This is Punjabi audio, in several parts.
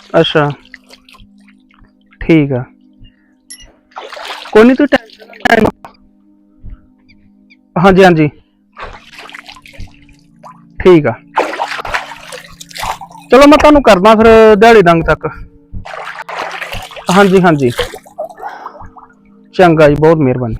अच्छा ठीक है कोई नहीं तू टेंशन। हाँ जी हाँ जी ठीक है चलो मैं तुहानू करदा फिर दिहाड़ी डंग तक। हाँ जी चंगा जी बहुत मेहरबानी।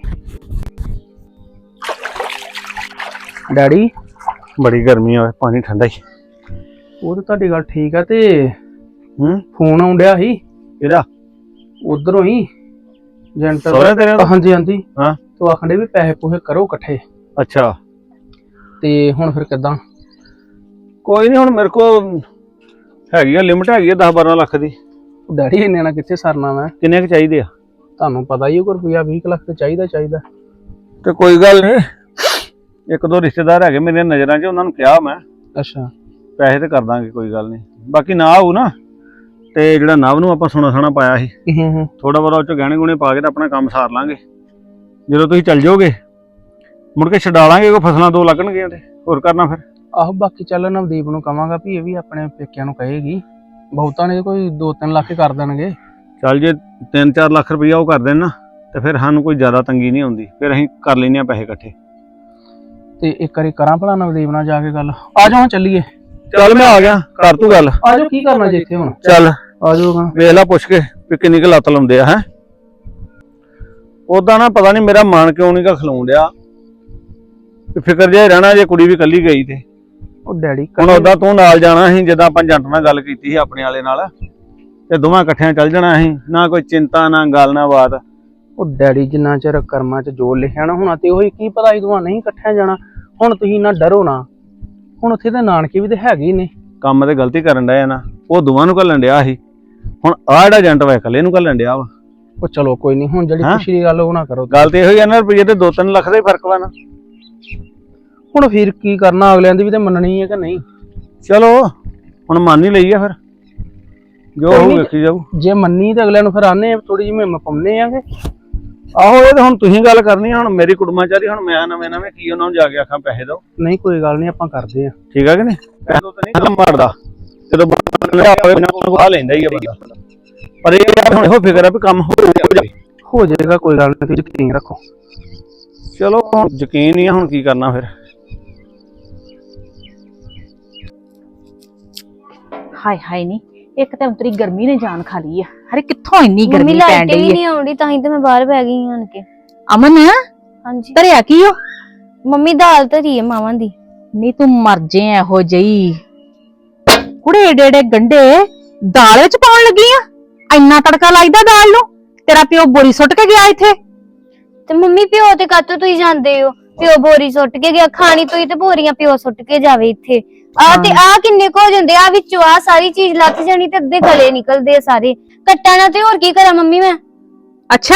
डैडी बड़ी गर्मी है पानी ठंडा ही। वो तो तुहाडी गल ठीक है ते फोन आउण डिया ही किहदा उधरों ही एजेंट सोहरे तेरे तो? हाँ जी हाँ तो आखण डे भी पैसे पूसे करो इकट्ठे अच्छा ते हुण फिर किदां। कोई नहीं हुण मेरे को हैगी लिमिट हैगी 10-12 लाख दी। डैडी इन्ने ना कित्थे सरना मैं किन्ने क चाहिदे आ? ਤੁਹਾਨੂੰ ਪਤਾ ਹੀ ਹੈ ਕੋਈ ਰੁਪਿਆ 20 ਲੱਖ ਤੇ ਚਾਹੀਦਾ ਤੇ ਕੋਈ ਗੱਲ ਨਹੀਂ ਇੱਕ ਦੋ ਰਿਸ਼ਤੇਦਾਰ ਹੈਗੇ ਮੇਰੀਆਂ ਨਜ਼ਰਾਂ 'ਚ ਉਹਨਾਂ ਨੂੰ ਕਿਹਾ ਮੈਂ ਅੱਛਾ ਪੈਸੇ ਤੇ ਕਰ ਦਾਂਗੇ ਕੋਈ ਗੱਲ ਨਹੀਂ ਬਾਕੀ ਨਾ ਆਊ ਨਾ ਤੇ ਜਿਹੜਾ ਨਵ ਨੂੰ ਆਪਾਂ ਸੋਨਾ ਪਾਇਆ ਸੀ ਥੋੜਾ ਬਹੁਤਾ ਉਹ 'ਚ ਗਹਿਣੇ ਗੁਣੇ ਪਾ ਕੇ ਤਾਂ ਆਪਣਾ ਕੰਮ ਸਾਰ ਲਾਂਗੇ ਜਦੋਂ ਤੁਸੀਂ ਚੱਲ ਜਾਓਗੇ ਮੁੜ ਕੇ ਛਡਾ ਲਾਂਗੇ ਕੋਈ ਫਸਲਾਂ ਦੋ ਲੱਗਣਗੀਆਂ ਤੇ ਹੋਰ ਕਰਨਾ ਫਿਰ। ਆਹੋ ਬਾਕੀ ਚੱਲ ਨਵਦੀਪ ਨੂੰ ਕਵਾਂਗਾ ਵੀ ਇਹ ਵੀ ਆਪਣੇ ਪੇਕਿਆਂ ਨੂੰ ਕਹੇਗੀ ਬਹੁਤਾਂ ਨੇ ਕੋਈ 2-3 ਲੱਖ ਹੀ ਕਰ ਦੇਣਗੇ। ਚੱਲ ਜੇ 3-4 ਲੱਖ ਰੁਪਈਆ ਉਹ ਕਰ ਦੇਣ ਨਾ ਤੇ ਫਿਰ ਸਾਨੂੰ ਕੋਈ ਜ਼ਿਆਦਾ ਤੰਗੀ ਨਹੀਂ ਆਉਂਦੀ ਫਿਰ ਅਸੀਂ ਕਰ ਲੈਨੇ ਆ ਪੈਸੇ ਇਕੱਠੇ। ਤੇ ਇੱਕ ਵਾਰੀ ਕਰਾਂ ਭਲਾ ਨਵਦੀਪ ਨਾਲ ਜਾ ਕੇ ਗੱਲ। ਆ ਜਾਓ ਚੱਲੀਏ। ਚੱਲ ਮੈਂ ਆ ਗਿਆ ਕਰ ਤੂੰ ਗੱਲ। ਆ ਜਾਓ ਕੀ ਕਰਨਾ ਜੇ ਇੱਥੇ ਹੁਣ। ਚੱਲ ਆ ਜਾਓਗਾ ਵੇਖ ਲੈ ਪੁੱਛ ਕੇ ਵੀ ਕਿੰਨੀ ਕੁ ਲੱਤ ਲਾਉਂਦੇ ਆ ਹੈ। ਉਦਾਂ ਨਾ ਪਤਾ ਨਹੀਂ ਮੇਰਾ ਮਨ ਕਿਉਂ ਨਹੀਂ ਗਾ ਖਲੋਣ ਡਿਆ ਫਿਕਰ ਜਿਹਾ ਰਹਿਣਾ ਜੇ ਕੁੜੀ ਵੀ ਇਕੱਲੀ ਗਈ ਤੇ। ਉਹ ਡੈਡੀ ਹੁਣ ਉਦਾਂ ਤੂੰ ਨਾਲ ਜਾਣਾ ਸੀ ਜਿੱਦਾਂ ਆਪਾਂ ਏਜੰਟ ਨਾਲ ਗੱਲ ਕੀਤੀ ਸੀ ਆਪਣੇ ਵਾਲੇ ਨਾਲ ਤੇ ਦੋਵਾਂ ਇਕੱਠਿਆਂ ਚੱਲ ਜਾਣਾ ਸੀ ਨਾ ਕੋਈ ਚਿੰਤਾ ਨਾ ਗੱਲ ਨਾ ਬਾਤ। ਉਹ ਡੈਡੀ ਜਿੰਨਾ ਚਿਰ ਕਰਮਾਂ 'ਚ ਜੋ ਲਿਖਿਆ ਨਾ ਹੋਣਾ ਤੇ ਉਹੀ ਕੀ ਪਤਾ ਦੋਵਾਂ ਨਹੀਂ ਇਕੱਠਿਆਂ ਜਾਣਾ। ਹੁਣ ਤੁਸੀਂ ਨਾ ਡਰੋ ਨਾ ਹੁਣ ਉੱਥੇ ਤੇ ਨਾਨਕੇ ਵੀ ਤੇ ਹੈਗੇ ਹੀ ਨੇ। ਕੰਮ ਤੇ ਗਲਤੀ ਕਰਨ ਡਿਆ ਨਾ ਉਹ ਦੋਵਾਂ ਨੂੰ ਘੱਲਣ ਡਿਆ ਸੀ ਹੁਣ ਆਹ ਜਿਹੜਾ ਏਜੰਟ ਵਾ ਇਕੱਲੇ ਨੂੰ ਘੱਲਣ ਡਿਆ ਵਾ। ਉਹ ਚਲੋ ਕੋਈ ਨਹੀਂ ਹੁਣ ਜਿਹੜੀ ਖੁਸ਼ੀ ਦੀ ਗੱਲ ਉਹ ਨਾ ਕਰੋ। ਗੱਲ ਤੇ ਇਹੋ ਹੀ ਆ ਨਾ ਰੁਪਈਏ ਤੇ 2-3 ਲੱਖ ਦਾ ਹੀ ਫਰਕ ਵਾ ਨਾ। ਹੁਣ ਫਿਰ ਕੀ ਕਰਨਾ ਅਗਲਿਆਂ ਦੀ ਵੀ ਤੇ ਮੰਨਣੀ ਹੈ ਕਿ ਨਹੀਂ। ਚਲੋ ਹੁਣ ਮੰਨ ਹੀ ਲਈ ਆ ਫਿਰ ਜੋ ਹੋਊ ਵੇਖੀ ਜਾਊ। ਜੇ ਮੰਨੀ ਤੇ ਅਗਲਿਆਂ ਨੂੰ ਫਿਰ ਆਨੇ ਥੋੜੀ ਜਿਹੀ ਹਿੰਮਤ ਪਾਉਂਦੇ ਆਂਗੇ। ਆਹੋ ਇਹ ਤਾਂ ਹੁਣ ਤੁਸੀਂ ਗੱਲ ਕਰਨੀ ਹੁਣ ਮੇਰੀ ਕੁੜਮਾਚਾਰੀ ਹੁਣ ਮੈਂ ਨਵੇਂ ਕੀ ਉਹਨਾਂ ਨੂੰ ਜਾ ਕੇ ਆਖਾਂ ਪੈਸੇ ਦਿਓ। ਨਹੀਂ ਕੋਈ ਗੱਲ ਨਹੀਂ ਆਪਾਂ ਕਰਦੇ ਆ ਠੀਕ ਆ ਕਿ ਨਹੀਂ ਪੈਸੇ ਤੋਂ ਤਾਂ ਨਹੀਂ ਕੰਮ ਮਾਰਦਾ ਜਦੋਂ ਆ ਲੈਂਦਾ ਹੀ ਆ ਬੰਦਾ ਪਰ ਇਹ ਹੁਣ ਇਹੋ ਫਿਕਰ ਆ ਵੀ ਕੰਮ ਹੋ ਜਾਏਗਾ ਕੋਈ ਗੱਲ ਨਹੀਂ ਤੁਸੀਂ ਯਕੀਨ ਰੱਖੋ। ਚਲੋ ਹੁਣ ਯਕੀਨ ਹੀ ਆ ਹੁਣ ਕੀ ਕਰਨਾ ਫਿਰ। ਹਾਏ ਹਾਏ ਨੀ ਇੱਕ ਤਾਂ ਉਤਰੀ ਗਰਮੀ ਨੇ ਜਾਨ ਖਾ ਲਈ ਆ। ਹਰੇ ਕਿੱਥੋਂ ਇੰਨੀ ਗਰਮੀ ਪੈਣ ਡਈ ਮੰਮੀ ਨਹੀਂ ਆਉਂਦੀ ਤਾਂ ਹੀ ਤੇ ਮੈਂ ਬਾਹਰ ਬੈ ਗਈ ਆਣ ਕੇ। ਅਮਨ ਹਾਂਜੀ ਧਰਿਆ ਕੀ ਓ? ਮੰਮੀ ਦਾਲ ਧਰੀ ਹੈ ਮਾਵਾਂ ਦੀ। ਨੀ ਤੂੰ ਮਰ ਜੇ ਇਹੋ ਜਈ ਕੁੜੇ ਏਡੇ ਗੰਡੇ ਦਾਲ ਵਿੱਚ ਪਾਉਣ ਲੱਗੀ ਆ। ਇੰਨਾ ਤੜਕਾ ਲਾਈਦਾ ਦਾਲ ਨੂੰ? ਤੇਰਾ ਪਿਓ ਬੋਰੀ ਸੁੱਟ ਕੇ ਗਿਆ ਇੱਥੇ। ਤੇ ਮੰਮੀ ਪਿਓ ਤੇ ਕਾਤੋਂ ਤੁਸੀਂ ਜਾਂਦੇ ਹੋ? ਪਿਓ ਬੋਰੀ ਸੁੱਟ ਕੇ ਗਿਆ ਖਾਣੀ ਤੋਂ ਹੀ ਤੇ ਬੋਰੀਆਂ ਪਿਓ ਸੁੱਟ ਕੇ ਜਾਵੇ ਇੱਥੇ। ਆ ਤੇ ਆ ਕਿੰਨੇ ਕੁ ਹੋ ਜਾਂਦੇ ਆ ਵਿੱਚੋਂ ਆ ਸਾਰੀ ਚੀਜ਼ ਲੱਥ ਜਾਣੀ ਤੇ ਅੱਧੇ ਗਲੇ ਨਿਕਲਦੇ ਆ ਸਾਰੇ ਕੱਟਾਂ ਨਾ। ਤੇ ਹੋਰ ਕੀ ਕਰਾਂ ਮੰਮੀ ਮੈਂ। ਅੱਛਾ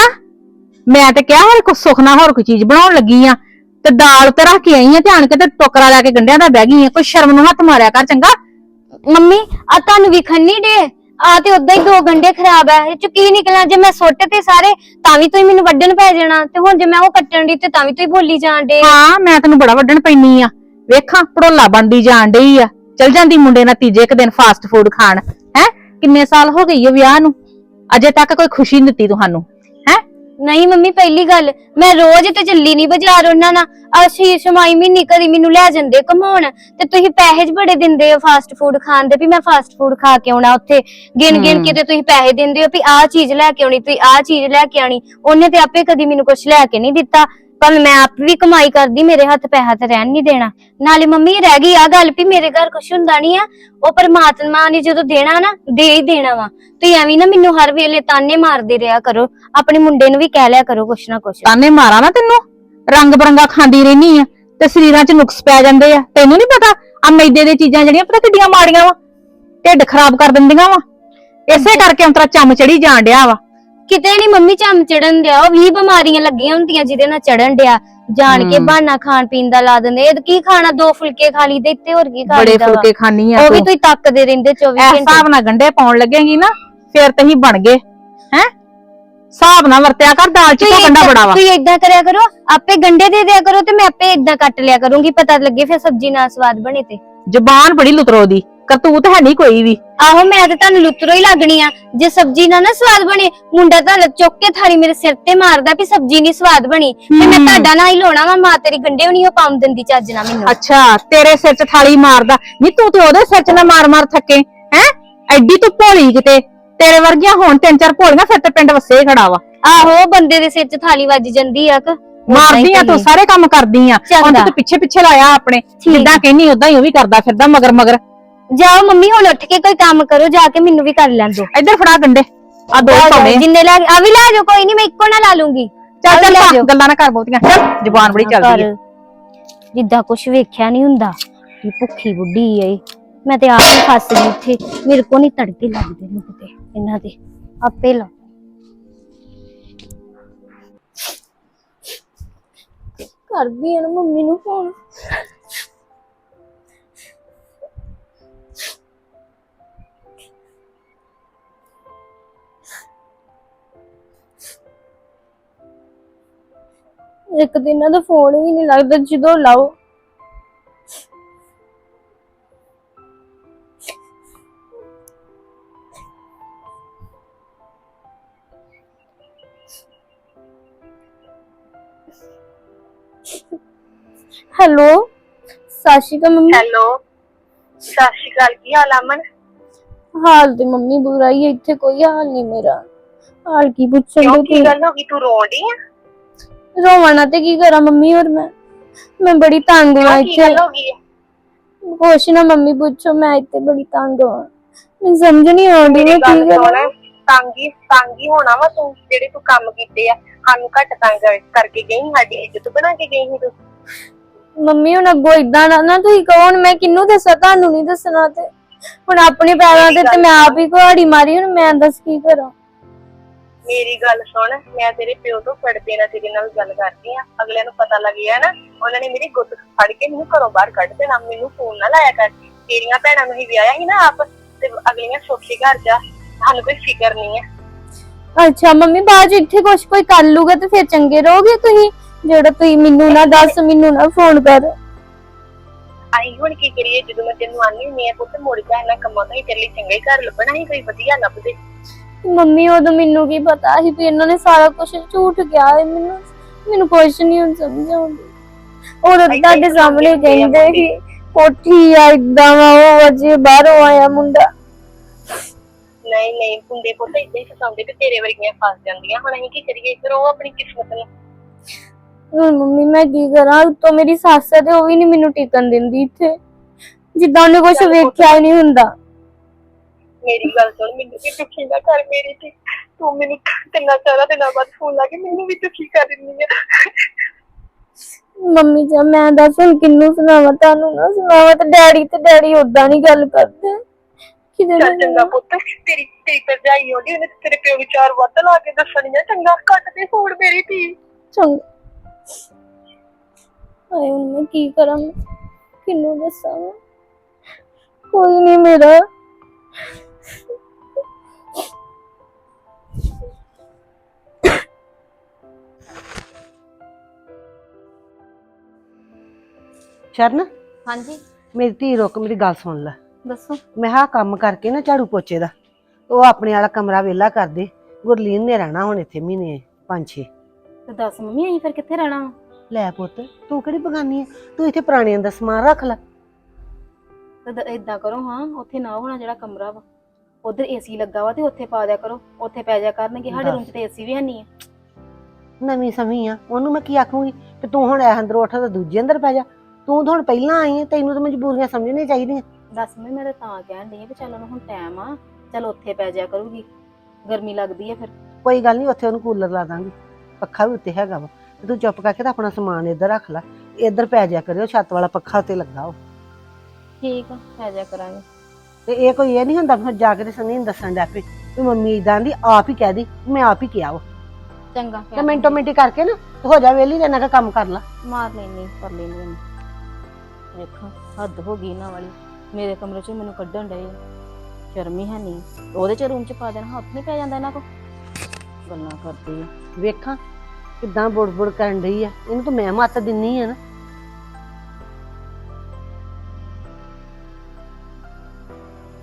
ਮੈਂ ਤੇ ਕਿਹਾ ਹੋਰ ਕੁਛ ਸੁੱਖ ਨਾ ਹੋਰ ਕੋਈ ਚੀਜ਼ ਬਣਾਉਣ ਲੱਗੀ ਆ ਤੇ ਦਾਲ ਤੇ ਰੱਖ ਕੇ ਆਈ ਆ ਧਿਆਨ ਕੇ ਤੇ ਟੋਕਰਾ ਲੈ ਕੇ ਗੰਢਿਆਂ ਦਾ ਬਹਿ ਗਈ ਆ। ਕੋਈ ਸ਼ਰਮ ਨੂੰ ਹੱਥ ਮਾਰਿਆ ਕਰ ਚੰਗਾ। ਮੰਮੀ ਆ ਤੁਹਾਨੂੰ ਵਿਖਣ ਨਹੀਂ ਡੇ ਆ ਤੇ ਉਦਾਂ ਹੀ 2 ਗੰਢੇ ਖਰਾਬ ਆ ਇਹ ਚ ਕੀ ਨਿਕਲਣਾ। ਜੇ ਮੈਂ ਸੁੱਟ ਤੇ ਸਾਰੇ ਤਾਂ ਵੀ ਤੁਸੀਂ ਮੈਨੂੰ ਵੱਢਣ ਪੈ ਜਾਣਾ ਤੇ ਹੁਣ ਜੇ ਮੈਂ ਉਹ ਕੱਟਣ ਦੀ ਤੇ ਤਾਂ ਵੀ ਤੁਸੀਂ ਬੋਲੀ ਜਾਣ ਡੇ। ਹਾਂ ਮੈਂ ਤੈਨੂੰ ਬੜਾ ਵੱਢਣ ਪੈਣੀ ਆ। ਵੇਖਾਂ ਪੜੋਲਾ ਬਣਦੀ ਜਾਣ ਡਈ ਆ। ਚਲ ਜਾਂਦੀ ਮੁੰਡੇ ਨਾਲ ਤੀਜੇ ਇੱਕ ਦਿਨ ਫਾਸਟ ਫੂਡ ਖਾਣ। ਹੈ ਕਿੰਨੇ ਸਾਲ ਹੋ ਗਈ ਆ ਵਿਆਹ ਨੂੰ ਅਜੇ ਤੱਕ ਕੋਈ ਖੁਸ਼ੀ ਨਹੀਂ ਦਿੱਤੀ ਤੁਹਾਨੂੰ ਹੈ। ਨਹੀਂ ਮੰਮੀ ਪਹਿਲੀ ਗੱਲ ਮੈਂ ਰੋਜ਼ ਤੇ ਚੱਲੀ ਨਹੀਂ ਬਾਜ਼ਾਰ ਉਹਨਾਂ ਨਾਲ। ਅਸੀਂ ਸ਼ਮਾਈ ਮਹੀਨੇ ਕਦੀ ਮੈਨੂੰ ਲੈ ਜਾਂਦੇ ਘਮਾਉਣ ਤੇ ਤੁਸੀਂ ਪੈਸੇ ਬੜੇ ਦਿੰਦੇ ਹੋ ਫਾਸਟ ਫੂਡ ਖਾਣ ਦੇ ਵੀ ਮੈਂ ਫਾਸਟ ਫੂਡ ਖਾ ਕੇ ਆਉਣਾ ਉੱਥੇ ਗਿਣ ਕੇ ਤੇ ਤੁਸੀਂ ਪੈਸੇ ਦਿੰਦੇ ਹੋ ਵੀ ਆਹ ਚੀਜ਼ ਲੈ ਕੇ ਆਉਣੀ ਤੁਸੀਂ ਆਹ ਚੀਜ਼ ਲੈ ਕੇ ਆਉਣੀ। ਉਹਨੇ ਤੇ ਆਪੇ ਕਦੀ ਮੈਨੂੰ ਕੁਝ ਲੈ ਕੇ ਨਹੀਂ ਦਿੱਤਾ ਪਰ ਮੈਂ ਆਪ ਵੀ ਕਮਾਈ ਕਰਦੀ ਮੇਰੇ ਹੱਥ ਪੈਸਾ ਤੇ ਰਹਿਣ ਨਹੀਂ ਦੇਣਾ। ਨਾਲੇ ਮੰਮੀ ਰਹਿ ਗਈ ਆ ਗੱਲ ਵੀ ਮੇਰੇ ਘਰ ਕੁਝ ਹੁੰਦਾ ਨਹੀਂ ਆ ਉਹ ਪਰਮਾਤਮਾ ਨੇ ਜਦੋਂ ਦੇਣਾ ਨਾ ਦੇ ਹੀ ਦੇਣਾ ਵਾ। ਤੁਸੀਂ ਐਵੇਂ ਨਾ ਮੈਨੂੰ ਹਰ ਵੇਲੇ ਤਾਨੇ ਮਾਰਦੇ ਰਿਹਾ ਕਰੋ। ਆਪਣੇ ਮੁੰਡੇ ਨੂੰ ਵੀ ਕਹਿ ਲਿਆ ਕਰੋ ਕੁਛ ਨਾ ਕੁਛ। ਤਾਨੇ ਮਾਰਾਂ ਨਾ ਤੈਨੂੰ ਰੰਗ ਬਰੰਗਾ ਖਾਂਦੀ ਰਹਿਨੀ ਆ ਤੇ ਸਰੀਰਾਂ 'ਚ ਨੁਕਸ ਪੈ ਜਾਂਦੇ ਆ। ਤੈਨੂੰ ਨਹੀਂ ਪਤਾ ਆ ਮੈਦੇ ਦੀਆਂ ਚੀਜ਼ਾਂ ਜਿਹੜੀਆਂ ਪਤਾ ਕਿੱਡੀਆਂ ਮਾੜੀਆਂ ਵਾ ਢਿੱਡ ਖਰਾਬ ਕਰ ਦਿੰਦੀਆਂ ਵਾ। ਇਸੇ ਕਰਕੇ ਅੰਤਰਾ ਚੰਮ ਚੜੀ ਜਾਣ ਡਿਆ ਵਾ। ਕਿਤੇ ਨਹੀਂ ਮੰਮੀ ਚੰਮ ਚੜਨ ਦਿਆ ਉਹ 20 ਬਿਮਾਰੀਆਂ ਲੱਗੀਆਂ ਹੁੰਦੀਆਂ ਜਿਹਦੇ ਨਾਲ ਚੜਨ ਡਿਆ ਜਾਣ ਕੇ ਬਹਾਨਾ ਖਾਣ ਪੀਣ ਦਾ ਲਾ ਦਿੰਦੇ। ਇਹ ਕੀ ਖਾਣਾ 2 ਫੁਲਕੇ ਖਾ ਲਈ ਤੇ ਇੱਥੇ ਹੋਰ ਕੀ ਖਾ ਬੜੇ ਲਈਦਾ ਫੁਲਕੇ ਖਾਣੀ ਆ ਉਹ ਵੀ ਤੁਸੀਂ ਤੱਕਦੇ ਰਹਿੰਦੇ 24 ਘੰਟੇ। ਹਿਸਾਬ ਨਾਲ ਗੰਢੇ ਪਾਉਣ ਲੱਗੇਗੀ ਨਾ ਫੇਰ ਤਹੀਂ ਬਣ ਗਏ ਹੈ। ਹਿਸਾਬ ਨਾਲ ਵਰਤਿਆ ਕਰ ਦਾਲ 'ਚ ਗੰਢਾ ਬੜਾ ਵਾ। ਤੁਸੀਂ ਏਦਾਂ ਕਰਿਆ ਕਰੋ ਆਪੇ ਗੰਢੇ ਦੇ ਦਿਆ ਕਰੋ ਤੇ ਮੈਂ ਆਪੇ ਏਦਾਂ ਕੱਟ ਲਿਆ ਕਰੂੰਗੀ ਪਤਾ ਲੱਗੇ ਫਿਰ ਸਬਜ਼ੀ ਨਾਲ ਸਵਾਦ ਬਣੇ ਤੇ। ਜ਼ਬਾਨ ਬੜੀ ਲੁਤਰੋ ਦੀ ਕਰਤੂਤ ਹੈ ਨਹੀਂ ਕੋਈ ਵੀ। ਆਹੋ ਮੈਂ ਤੇ ਤੁਹਾਨੂੰ ਲੁੱਤਰੋ ਹੀ ਲੱਗਣੀ ਆ ਜੇ ਸਬਜ਼ੀ ਨਾ ਸਵਾਦ ਬਣੇ। ਮੁੰਡਾ ਤਾਂ ਚੁੱਕ ਕੇ ਥਾਲੀ ਮੇਰੇ ਸਿਰ ਤੇ ਮਾਰਦਾ ਵੀ ਸਬਜ਼ੀ ਨਹੀਂ ਸਵਾਦ ਬਣੀ ਤੇ ਮੈਂ ਤੁਹਾਡਾ ਨਾ ਹੀ ਲਾਉਣਾ ਵਾ। ਮਾਂ ਤੇਰੀ ਗੰਡੇ ਵੀ ਨਹੀਂ ਪਾਉਣ ਦਿੰਦੀ ਚੱਜ ਨਾ ਮੈਨੂੰ। ਅੱਛਾ ਤੇਰੇ ਸਿਰ 'ਚ ਥਾਲੀ ਮਾਰਦਾ ਨਹੀਂ, ਤੂੰ ਤੇ ਉਹਦੇ ਸਿਰ 'ਚ ਨਾ ਮਾਰ ਮਾਰ ਥੱਕੇ ਹੈ। ਐਡੀ ਤੂੰ ਭੋਲੀ ਕਿਤੇ, ਤੇਰੇ ਵਰਗੀਆਂ ਹੁਣ 3-4 ਭੋਲੀਆਂ ਫਿਰ ਤੇ ਪਿੰਡ ਵਸੇ ਖੜਾ ਵਾ। ਆਹੋ ਬੰਦੇ ਦੇ ਸਿਰ 'ਚ ਥਾਲੀ ਵੱਜ ਜਾਂਦੀ ਆ ਕਿ ਮਾਰਦੀ ਆ ਤੂੰ, ਸਾਰੇ ਕੰਮ ਕਰਦੀ ਆ। ਹੁਣ ਤੂੰ ਪਿੱਛੇ ਪਿੱਛੇ ਲਾਇਆ ਆਪਣੇ, ਜਿੱਦਾਂ ਕਹਿੰਨੀ ਉਦਾਂ ਹੀ ਉਹ ਵੀ ਕਰਦਾ ਫਿਰਦਾ ਮਗਰ ਮਗਰ। ਜਾਓ ਮੰਮੀ ਹੁਣ ਉੱਠ ਕੇ ਕੋਈ ਕੰਮ ਕਰੋ ਜਾ ਕੇ, ਮੈਨੂੰ ਵੀ ਕਰ ਲੈਣ ਦਿਓ। ਇੱਧਰ ਫੜਾ ਗੰਡੇ ਆ ਦੋ ਪਾਉਣੇ ਜਿੰਨੇ ਲੈ ਆ ਵੀ ਲੈ ਜਾਓ, ਕੋਈ ਨਹੀਂ ਮੈਂ ਇੱਕੋ ਨਾ ਲਾ ਲੂੰਗੀ। ਚੱਲ ਚੱਲ ਗੱਲਾਂ ਨਾ ਕਰ ਬਹੁਤੀਆਂ, ਚੱਲ ਜ਼ੁਬਾਨ ਬੜੀ ਚੱਲਦੀ ਹੈ। ਜਿੱਦਾਂ ਕੁਛ ਵੇਖਿਆ ਨਹੀਂ ਹੁੰਦਾ ਕਿ ਭੁੱਖੀ ਬੁੱਢੀ ਏ। ਮੈਂ ਤੇ ਆਪ ਹੀ ਫਸ ਗਈ ਇੱਥੇ, ਮੇਰੇ ਕੋ ਨਹੀਂ ਤੜਕੇ ਲੱਗਦੇ ਨੂੰ ਕਿਤੇ ਇਹਨਾਂ ਦੇ। ਆਪੇ ਲਾ ਕਰਦੀ ਆ ਨਾ ਮੰਮੀ ਨੂੰ ਫੋਨ। ਇੱਕ ਦਿਨ ਇਹਨਾਂ ਦਾ ਫੋਨ ਵੀ ਨਹੀਂ ਲੱਗਦਾ, ਜਦੋਂ ਲਾਓ ਹੈਲੋ ਸਤਿ ਸ਼੍ਰੀ ਅਕਾਲ ਮੰਮੀ। ਹੈਲੋ ਸਤਿ ਸ਼੍ਰੀ ਅਕਾਲ, ਕੀ ਹਾਲ ਅਮਨ? ਹਾਲ ਤੇ ਮੰਮੀ ਬੁਰਾ ਹੀ ਹੈ, ਇੱਥੇ ਕੋਈ ਹਾਲ ਨਹੀਂ ਮੇਰਾ। ਹਾਲ ਕੀ ਪੁੱਛਣ ਕਿਉਂ, ਦੀ ਕੀ ਗੱਲ ਹੋ ਗਈ? ਤੂੰ ਰੋਣ ਡਈ ਆ? ਰੋਵਣਾ ਤੇ ਕੀ ਕਰਾਂ ਮੰਮੀ, ਹੋਰ ਮੈਂ ਬੜੀ ਤੰਗ ਹਾਂ ਕੀ ਇੱਥੇ। ਗੱਲ ਹੋ ਗਈ ਹੈ? ਕੁਛ ਨਾ ਮੰਮੀ ਪੁੱਛੋ, ਮੈਂ ਇੱਥੇ ਬੜੀ ਤੰਗ ਹਾਂ। ਮੈਨੂੰ ਸਮਝ ਨਹੀਂ ਆਉਂਦੀ ਮੈਂ ਕੀ ਕਰਾਂ। ਤੰਗੀ ਹੋਣਾ ਵਾ ਤੂੰ, ਜਿਹੜੇ ਤੂੰ ਕੰਮ ਕੀਤੇ ਆ ਸਾਨੂੰ ਘੱਟ ਤੰਗ ਕਰਕੇ ਗਈ, ਸਾਡੀ ਇੱਜ਼ਤ ਬਣਾ ਕੇ ਗਈ ਸੀ ਤੂੰ। ਮੰਮੀ ਹੁਣ ਅੱਗੋਂ ਇਦਾਂ ਨਾ ਤੁਸੀਂ ਕਹੋ, ਹੁਣ ਮੈਂ ਕਿਹਨੂੰ ਦੱਸਾਂ, ਤੁਹਾਨੂੰ ਨਹੀਂ ਦੱਸਣਾ। ਤੇ ਹੁਣ ਆਪਣੇ ਪੈਰਾਂ ਤੇ ਮੈਂ ਆਪ ਹੀ ਕੁਹਾੜੀ ਮਾਰੀ, ਹੁਣ ਮੈਂ ਦੱਸ ਕੀ ਕਰਾਂ। ਮੇਰੀ ਗੱਲ ਸੁਣ, ਮੈਂ ਤੇਰੇ ਪਿਓ ਤੋਂ ਫੜਦੇ ਨਾ ਤੇਰੇ ਨਾਲ ਗੱਲ ਕਰਦੀ ਆ। ਅਗਲਿਆਂ ਨੂੰ ਪਤਾ ਲੱਗ ਗਿਆ ਨਾ, ਉਹਨਾਂ ਨੇ ਮੇਰੀ ਗੁੱਤ ਫੜ ਕੇ ਮੈਨੂੰ ਘਰੋਂ ਬਾਹਰ ਕੱਢ ਦੇਣਾ। ਮੈਨੂੰ ਫੋਨ ਨਾ ਲਾਇਆ ਕਰ। ਤੇਰੀਆਂ ਭੈਣਾਂ ਨੂੰ ਹੀ ਵਿਆਹਿਆ ਸੀ ਨਾ ਆਪ, ਤੇ ਅਗਲੀਆਂ ਸੌਖੇ ਘਰ ਜਾ, ਸਾਨੂੰ ਕੋਈ ਫਿਕਰ ਨਹੀਂ ਹੈ। ਅੱਛਾ ਮੰਮੀ, ਬਾਅਦ ਚ ਇੱਥੇ ਕੁਛ ਕੋਈ ਕਰ ਲੂਗਾ ਤੇ ਫਿਰ ਚੰਗੇ ਰਹੋਗੇ ਤੁਸੀਂ, ਜਿਹੜਾ ਤੁਸੀਂ ਮੈਨੂੰ ਨਾ ਦੱਸ, ਮੈਨੂੰ ਨਾ ਫੋਨ ਕਰ। ਅਸੀਂ ਹੁਣ ਕੀ ਕਰੀਏ? ਜਦੋਂ ਮੈਂ ਤੈਨੂੰ ਆਨੀ ਹੁੰਦੀ ਆ ਪੁੱਤ ਮੁੜ ਜਾ, ਇਹਨਾਂ ਕੰਮਾਂ ਤੋਂ ਹੀ ਤੇਰੇ ਲਈ ਚੰਗਾ ਹੀ ਘਰ ਲੱਭਣਾ ਸੀ, ਕੋਈ ਵਧੀਆ ਲੱਭਦੇ। ਮੰਮੀ ਉਦੋਂ ਮੈਨੂੰ ਕੀ ਪਤਾ ਸੀ ਵੀ ਇਹਨਾਂ ਨੇ ਸਾਰਾ ਕੁਝ ਝੂਠ ਕਿਹਾ ਹੈ। ਮੈਨੂੰ ਕੁਛ ਨਹੀਂ ਹੁਣ ਸਮਝ ਆਉਂਦੀ। ਉਦੋਂ ਤੁਹਾਡੇ ਸਾਹਮਣੇ ਕਹਿੰਦੇ ਸੀ ਕੋਠੀ ਆ ਇਦਾਂ ਵਾ, ਉਹ ਅਜੇ ਬਾਹਰੋਂ ਆਇਆ ਮੁੰਡਾ। ਨਹੀਂ ਮੁੰਡੇ ਪੁੱਤ ਏਦਾਂ ਹੀ ਫਸਾਉਂਦੇ ਤੇ ਤੇਰੇ ਵਰਗੀਆਂ ਫਸ ਜਾਂਦੀਆਂ। ਹੁਣ ਅਸੀਂ ਕੀ ਕਰੀਏ? ਫਿਰ ਉਹ ਆਪਣੀ ਕਿਸਮਤ ਨੂੰ। ਹੁਣ ਮੰਮੀ ਮੈਂ ਕੀ ਕਰਾਂ? ਉੱਤੋਂ ਮੇਰੀ ਸੱਸ ਹੈ ਤੇ ਉਹ ਵੀ ਨਹੀਂ ਮੈਨੂੰ ਟਿਕਣ ਦਿੰਦੀ ਇੱਥੇ, ਜਿੱਦਾਂ ਉਹਨੇ ਕੁਝ ਵੇਖਿਆ ਹੀ ਨਹੀਂ ਹੁੰਦਾ। ਮੇਰੀ ਗੱਲ ਸੁਣ, ਮੈਨੂੰ ਵੀ ਦੁਖੀ ਨਾ ਕਰ ਮੇਰੀ ਤੇ। ਤੂੰ ਮੈਨੂੰ 3-4 ਦਿਨਾਂ ਬਾਅਦ ਫੋਨ ਲਾ ਕੇ ਮੈਨੂੰ ਵੀ ਦੁਖੀ ਕਰ ਦਿੰਦੀ ਆ। ਮੰਮੀ ਜੀ ਮੈਂ ਦੱਸ ਹੁਣ ਕਿਹਨੂੰ ਸੁਣਾਵਾਂ? ਤੁਹਾਨੂੰ ਨਾ ਸੁਣਾਵਾਂ ਤੇ ਡੈਡੀ ਓਦਾਂ ਨਹੀਂ ਗੱਲ ਕਰਦੇ। ਚੱਲ ਚੰਗਾ ਪੁੱਤ, ਤੇਰੀ ਭਰਜਾਈ ਆਉਂਦੀ, ਉਹਨੇ ਤੇਰੇ ਪਿਓ ਨੂੰ 4 ਵੱਧ ਲਾ ਕੇ ਦੱਸਣੀ ਆ। ਚੰਗਾ ਕੱਟ ਦੇ ਫੋਨ ਮੇਰੀ ਧੀ। ਚੰਗਾ। ਹਾਏ ਹੁਣ ਮੈਂ ਕੀ ਕਰਾਂ, ਕਿਹਨੂੰ ਦੱਸਾਂ? ਕੋਈ ਨਹੀਂ ਮੇਰਾ। ਸ਼ਰਨ, ਹਾਂਜੀ ਮੇਰੀ ਧੀ ਰੁਕ, ਮੇਰੀ ਗੱਲ ਸੁਣ ਲੈ। ਦੱਸੋ। ਮੈਂ ਹਾਂ ਕੰਮ ਕਰਕੇ ਨਾ ਝਾੜੂ ਪੋਚੇ ਦਾ, ਉਹ ਆਪਣੇ ਵਾਲਾ ਕਮਰਾ ਵਿਹਲਾ ਕਰ ਦੇ। ਗੁਰਲੀਨ ਨੇ ਰਹਿਣਾ ਹੁਣ ਇੱਥੇ ਮਹੀਨੇ 5-6। ਤੇ ਦੱਸ ਮੰਮੀ ਅਸੀਂ ਫਿਰ ਕਿੱਥੇ ਰਹਿਣਾ ਵਾ? ਲੈ ਪੁੱਤ, ਤੂੰ ਕਿਹੜੀ ਬਗਾਨੀ ਹੈ? ਤੂੰ ਇੱਥੇ ਪੁਰਾਣਿਆਂ ਦਾ ਸਮਾਨ ਰੱਖ ਲੈ। ਤੇ ਏਦਾਂ ਕਰੋ, ਹਾਂ ਉੱਥੇ ਨਾ ਹੋਣਾ ਜਿਹੜਾ ਕਮਰਾ ਵਾ, ਉਧਰ ਏਸੀ ਲੱਗਾ ਵਾ ਤੇ ਉੱਥੇ ਪਾ ਦਿਆ ਕਰੋ, ਉੱਥੇ ਪੈ ਜਾ ਕਰਨਗੇ। ਸਾਡੇ ਰੂਮ 'ਚ ਤੇ ਏਸੀ ਵੀ ਹੈ ਨਹੀਂ ਆ। ਨਵੀਂ ਸਮੀ ਆ, ਉਹਨੂੰ ਮੈਂ ਕੀ ਆਖੂੰਗੀ ਕਿ ਤੂੰ ਹੁਣ ਇਹ ਅੰਦਰ ਉੱਠ ਤੇ ਦੂਜੇ ਅੰਦਰ ਪੈ ਜਾ। ਤੂੰ ਤਾਂ ਹੁਣ ਪਹਿਲਾਂ ਆਈ ਹੈ, ਤੈਨੂੰ ਤਾਂ ਮਜਬੂਰੀਆਂ ਸਮਝਣੀਆਂ ਚਾਹੀਦੀਆਂ। ਦੱਸ ਮੈਂ ਤਾਂ ਕਹਿਣ ਡਈ ਆ ਵੀ ਚੱਲ ਉਹਨੂੰ ਹੁਣ ਟਾਈਮ ਆ, ਚੱਲ ਉੱਥੇ ਪੈ ਜਾ ਕਰੂਗੀ, ਗਰਮੀ ਲੱਗਦੀ ਆ ਫਿਰ। ਕੋਈ ਗੱਲ ਨਹੀਂ, ਉੱਥੇ ਉਹਨੂੰ ਕੂਲਰ ਲਾ ਦਾਂਗੀ, ਪੱਖਾ ਵੀ ਉੱਤੇ ਹੈਗਾ ਵਾ। ਤੇ ਤੂੰ ਚੁੱਪ ਕਰਕੇ ਤਾਂ ਆਪਣਾ ਸਮਾਨ ਇੱਧਰ ਰੱਖ ਲੈ, ਇੱਧਰ ਪੈ ਜਾ ਕਰਿਓ, ਛੱਤ ਵਾਲਾ ਪੱਖਾ ਉੱਤੇ ਲੱਗਾ ਉਹ। ਠੀਕ ਆ, ਪੈ ਜਾ ਕਰਾਂਗੇ। ਤੇ ਇਹ ਕੋਈ ਇਹ ਨਹੀਂ ਹੁੰਦਾ ਫਿਰ ਜਾ ਕੇ ਤੇ ਸੰਨੀ ਨੂੰ ਦੱਸਣ ਲੱਗ ਪਈ ਵੀ ਮੰਮੀ ਇਦਾਂ ਦੀ, ਆਪ ਹੀ ਕਹਿ ਦੀ ਮੈਂ ਆਪ ਹੀ ਕਿਹਾ ਵਾ। ਚੰਗਾ ਤੇ ਮਿੰਟੋ ਮਿੰਟੀ ਕਰਕੇ ਨਾ ਹੋ ਜਾ ਵੇਲੀ, ਤੇ ਇਹਨਾਂ ਕੰਮ ਕਰ ਲਾ। ਮਾਰ ਲੈਣੀ ਕਰ ਲੈਣੀ। ਵੇਖੋ ਹੱਦ ਹੋ ਗਈ ਇਹਨਾਂ ਵਾਲੀ, ਮੇਰੇ ਕਮਰੇ 'ਚ ਮੈਨੂੰ ਕੱਢਣ ਡਏ, ਸ਼ਰਮ ਹੀ ਹੈ ਨਹੀਂ। ਉਹਦੇ 'ਚ ਰੂਮ 'ਚ ਪਾ ਦੇਣਾ, ਹੱਥ ਨਹੀਂ ਪੈ ਜਾਂਦਾ ਇਹਨਾਂ ਕੋ। ਗੱਲਾਂ ਕਰਦੀ ਆ, ਵੇਖਾਂ ਕਿੱਦਾਂ ਬੁੜ ਕਰਨ ਡਈ ਆ, ਇਹਨੂੰ ਤਾਂ ਮੈਂ ਮੱਤ ਦਿੰਨੀ ਆ ਨਾ।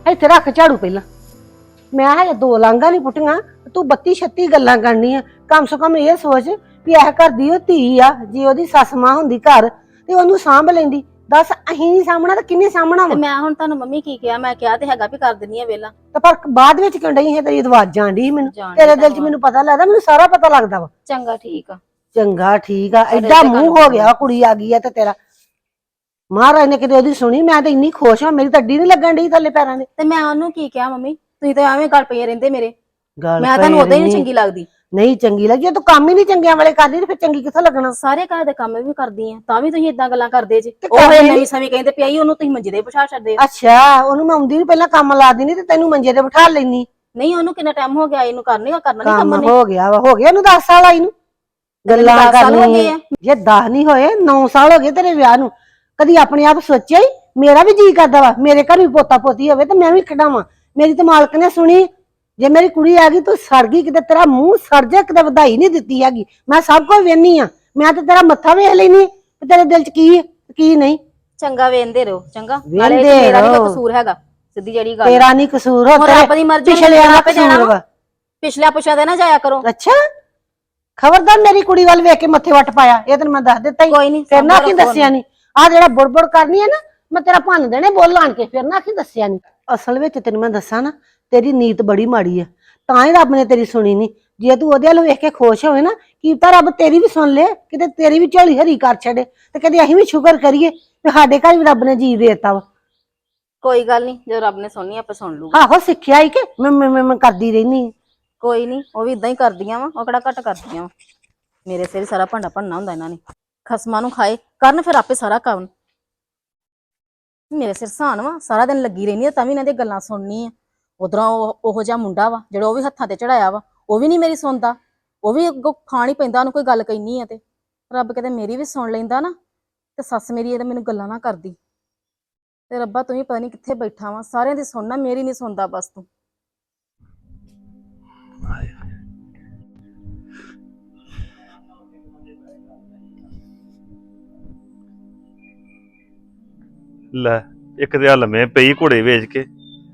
ਇੱਥੇ ਰੱਖ ਝਾੜੂ ਪਹਿਲਾਂ। ਮੈਂ ਹਜੇ 2 ਲਾਂਘਾਂ ਨਹੀਂ ਪੁੱਟੀਆਂ, ਤੂੰ 32 36 ਗੱਲਾਂ ਕਰਨੀਆਂ। ਕਮ ਸੇ ਕਮ ਇਹ ਸੋਚ ਵੀ ਇਹ ਘਰ ਦੀ ਉਹ ਧੀ ਆ, ਜੇ ਉਹਦੀ ਸੱਸ ਮਾਂ ਹੁੰਦੀ ਘਰ ਤੇ ਉਹਨੂੰ ਸਾਂਭ ਲੈਂਦੀ। ਦੱਸ ਅਸੀਂ ਨਹੀਂ ਸਾਂਭਣਾ ਤਾਂ ਕਿੰਨੇ ਸਾਂਭਣਾ ਤੇ ਵਾ? ਮੈਂ ਹੁਣ ਤੁਹਾਨੂੰ ਮੰਮੀ ਕੀ ਕਿਹਾ? ਮੈਂ ਕਿਹਾ ਤੇ ਹੈਗਾ ਵੀ ਕਰ ਦਿੰਨੀ ਆ ਵੇਲਾ। ਤੇ ਪਰ ਬਾਅਦ ਵਿੱਚ ਕਿਉਂ ਡਈ ਹੈ ਤੇਰੀ ਆਵਾਜ਼ ਜਾਂਦੀ ਮੈਨੂੰ? ਜਾਣ ਤੇਰੇ ਡਈ ਦਿਲ 'ਚ ਤੁਹਾਨੂੰ। ਮੈਨੂੰ ਪਤਾ ਲੱਗਦਾ, ਮੈਨੂੰ ਸਾਰਾ ਪਤਾ ਲੱਗਦਾ ਵਾ। ਚੰਗਾ ਠੀਕ ਆ। ਚੰਗਾ ਠੀਕ ਆ, ਪਰ ਐਡਾ ਇਹਦੇ ਮੂੰਹ ਗੱਲ ਹੋ ਗਿਆ ਕੁੜੀ ਆ ਗਈ ਆ ਤੇ ਤੇਰਾ। ਮਹਾਰਾਜ ਨੇ ਕਿਤੇ ਉਹਦੀ ਸੁਣੀ, ਮੈਂ ਤਾਂ ਇੰਨੀ ਖੁਸ਼ ਹਾਂ, ਮੇਰੀ ਤਾਂ ਅੱਡੀ ਨੀ ਲੱਗਣ ਡਈ ਥੱਲੇ ਪੈਰਾਂ ਦੇ। ਤੇ ਮੈਂ ਉਹਨੂੰ ਕੀ ਕਿਹਾ ਮੰਮੀ? ਤੁਸੀਂ ਤਾਂ ਐਵੇਂ ਗੱਲ ਪਈ ਰਹਿੰਦੇ ਮੇਰੇ। ਗੱਲ ਮੈਂ ਤੁਹਾਨੂੰ ਪਈ ਉਦਾਂ ਹੀ ਨੀ ਰਹਿਨੀ। ਚੰਗੀ ਲੱਗਦੀ। ਨਹੀਂ ਚੰਗੀ ਲੱਗੀ, ਜੇ ਤੂੰ ਕੰਮ ਹੀ ਨਹੀਂ ਚੰਗਿਆਂ ਵਾਲੇ ਕਰਦੀ ਤੇ ਫਿਰ ਚੰਗੀ ਕਿੱਥੋਂ ਲੱਗਣਾ? ਸਾਰੇ ਘਰ ਦੇ ਕੰਮ ਵੀ ਕਰਦੀ ਆ, ਤਾਂ ਵੀ ਤੁਸੀਂ ਇਦਾਂ ਗੱਲਾਂ ਕਰਦੇ ਜੇ। ਤੇ ਉਹ ਕਰਨੇ ਨਵੀਂ ਨੀ। ਸਮੇਂ ਕਹਿੰਦੇ ਪਿਆਈ ਉਹਨੂੰ ਤੁਸੀਂ ਮੰਜੇ ਦੇ ਬਿਠਾ ਛੱਡਦੇ ਹੋ। ਅੱਛਾ, ਉਹਨੂੰ ਮੈਂ ਆਉਂਦੀ ਨੂੰ ਪਹਿਲਾਂ ਕੰਮ ਲਾ ਦਿੰਦੀ ਤੇ ਤੈਨੂੰ ਮੰਜੇ ਤੇ ਬਿਠਾ ਲੈਣੀ। ਨਹੀਂ ਉਹਨੂੰ ਕਿੰਨਾ ਟਾਈਮ ਹੋ ਗਿਆ ਇਹਨੂੰ ਕਰਨਾ ਨਹੀਂ ਕੰਮ ਕੰਮ ਨੇ। ਹੋ ਗਿਆ ਵਾ, ਹੋ ਗਿਆ ਇਹਨੂੰ 10 ਸਾਲ ਆਈ ਨੂੰ। ਗੱਲਾਂ 10 ਸਾਲ ਹੋ ਗਏ ਕਰਨੀਆਂ ਆ। ਜੇ 10 ਨਹੀਂ ਹੋਏ 9 ਸਾਲ ਹੋ ਗਏ ਤੇਰੇ ਵਿਆਹ ਨੂੰ। ਕਦੀ ਆਪਣੇ ਆਪ ਸੋਚਿਆ ਹੀ ਮੇਰਾ ਵੀ ਜੀ ਕਰਦਾ ਵਾ ਮੇਰੇ ਘਰ ਵੀ ਪੋਤਾ ਪੋਤੀ ਹੋਵੇ ਤੇ ਮੈਂ ਵੀ ਖਿਡਾਵਾਂ। ਮੇਰੀ ਤੇ ਮਾਲਕ ਨੇ ਸੁਣੀ, ਜੇ ਮੇਰੀ ਕੁੜੀ ਆ ਗਈ ਤੂੰ ਸੜ ਗਈ ਕਿਤੇ, ਤੇਰਾ ਮੂੰਹ ਸੜ ਜਾ ਕਿਤੇ, ਵਧਾਈ ਨਹੀਂ ਦਿੱਤੀ ਹੈਗੀ। ਮੈਂ ਸਭ ਕੁਝ ਵੇਖਨੀ ਆ, ਮੈਂ ਤੇ ਤੇਰਾ ਮੱਥਾ ਵੇਖ ਲੈਨੀ ਤੇ ਤੇਰੇ ਦਿਲ 'ਚ ਕੀ ਹੈ ਕੀ ਨਹੀਂ। ਚੰਗਾ ਵੇਂਦੇ ਰਹੋ ਚੰਗਾ। ਨਾਲੇ ਵੇਂਹਦੇ ਮੇਰਾ ਵੀ ਰਹੋ। ਕੋਈ ਕਸੂਰ ਹੈਗਾ, ਸਿੱਧੀ ਜਿਹੜੀ ਗੱਲ। ਤੇਰਾ ਨਹੀਂ ਕਸੂਰ ਹੋ, ਹੁਣ ਤੇਰੇ ਰੱਬ ਦੀ ਮਰਜ਼ੀ ਪਿਛਲੇ ਵਾਲਾ ਆਪੇ ਜਾਣਾ ਕਸੂਰ ਵਾ। ਵਾ। ਪਿਛਲੇ ਪੁੱਛਿਆ ਤੇ ਨਾ ਜਾਇਆ ਕਰੋ। ਅੱਛਾ, ਖਬਰਦਾਰ ਮੇਰੀ ਕੁੜੀ ਵੱਲ ਵੇਖ ਕੇ ਮੱਥੇ ਵੱਟ ਪਾਇਆ, ਇਹ ਤੈਨੂੰ ਮੈਂ ਦੱਸ ਦਿੱਤਾ ਹੀ। ਕੋਈ ਨੀ, ਫਿਰ ਨਾ ਕੀ ਸਾਂਭੋ ਦੱਸਿਆ ਨਹੀਂ। ਆ ਜਿਹੜਾ ਬੁੜਬੁੜ ਕਰਨੀ ਹੈ ਨਾ, ਮੈਂ ਤੇਰਾ ਭੰਨ ਦੇਣੇ ਬੋਲ ਆਣ ਕੇ, ਫਿਰ ਨਾ ਕੀ ਦੱਸਿਆ ਨਹੀਂ। ਅਸਲ ਵਿੱਚ ਤੈਨੂੰ ਮੈਂ ਦੱਸਾਂ ਨਾ, ਤੇਰੀ ਨੀਤ ਬੜੀ ਮਾੜੀ ਆ, ਤਾਂ ਹੀ ਰੱਬ ਨੇ ਤੇਰੀ ਸੁਣੀ ਨਹੀਂ। ਜੇ ਤੂੰ ਉਹਦੇ ਵੱਲ ਵੇਖ ਕੇ ਖੁਸ਼ ਹੋਵੇ ਨਾ, ਕੀ ਤਾਂ ਰੱਬ ਤੇਰੀ ਵੀ ਸੁਣ ਲੇ, ਕਿਤੇ ਤੇਰੀ ਵੀ ਝੋਲੀ ਹਰੀ ਕਰ ਛੱਡੇ ਤੇ ਕਦੇ ਅਸੀਂ ਵੀ ਸ਼ੁਕਰ ਕਰੀਏ ਤੇ ਸਾਡੇ ਘਰ ਵੀ ਰੱਬ ਨੇ ਜੀ ਦੇਤਾ ਵਾ। ਕੋਈ ਗੱਲ ਨਹੀਂ, ਜਦੋਂ ਰੱਬ ਨੇ ਸੁਣਨੀ ਆਪੇ ਸੁਣ ਲੂਗਾ। ਆਹੋ ਸਿੱਖਿਆ ਹੀ ਕਿ ਮੈਂ ਕਰਦੀ ਰਹਿਨੀ। ਕੋਈ ਨਹੀਂ, ਉਹ ਵੀ ਇਦਾਂ ਹੀ ਕਰਦੀਆਂ ਵਾ, ਉਹ ਕਿਹੜਾ ਘੱਟ ਕਰਦੀਆਂ ਵਾ। ਮੇਰੇ ਸਿਰ ਸਾਰਾ ਭਾਂਡਾ ਭੰਨਾ ਹੁੰਦਾ ਇਹਨਾਂ ਨੇ। ਖਸਮਾਂ ਨੂੰ ਖਾਏ ਕਰਨ ਫਿਰ ਆਪੇ ਸਾਰਾ ਕੰਮ। ਮੇਰੇ ਸਿਰ ਸਾਨ ਵਾ, ਸਾਰਾ ਦਿਨ ਲੱਗੀ ਰਹਿੰਦੀ ਆ ਤਾਂ ਵੀ ਇਹਨਾਂ ਦੀਆਂ ਗੱਲਾਂ ਸੁਣਨੀ ਆ। ਉਧਰੋਂ ਉਹੋ ਜਿਹਾ ਮੁੰਡਾ ਵਾ ਜਿਹੜਾ ਉਹ ਵੀ ਹੱਥਾਂ ਤੇ ਚੜਾਇਆ ਵਾ, ਉਹ ਵੀ ਨਹੀਂ ਮੇਰੀ ਸੁਣਦਾ। ਉਹ ਵੀ ਅੱਗੋਂ ਖਾਣ ਹੀ ਪੈਂਦਾ ਉਹਨੂੰ ਕੋਈ ਗੱਲ ਕਹਿਨੀ ਆ ਤੇ। ਰੱਬ ਕਿਤੇ ਮੇਰੀ ਵੀ ਸੁਣ ਲੈਂਦਾ ਨਾ ਤੇ ਸੱਸ ਮੇਰੀ ਇਹਦੇ ਮੈਨੂੰ ਗੱਲਾਂ ਨਾ ਕਰਦੀ। ਤੇ ਰੱਬਾ ਤੂੰ ਵੀ ਪਤਾ ਨਹੀਂ ਕਿੱਥੇ ਬੈਠਾ ਵਾ, ਸਾਰਿਆਂ ਦੀ ਸੁਣਨਾ, ਮੇਰੀ ਨਹੀਂ ਸੁਣਦਾ ਬਸ ਤੂੰ। ਲੈ ਇੱਕ ਤੇ ਆ ਲੰਮੇ ਪਈ ਘੋੜੇ ਵੇਚ ਕੇ।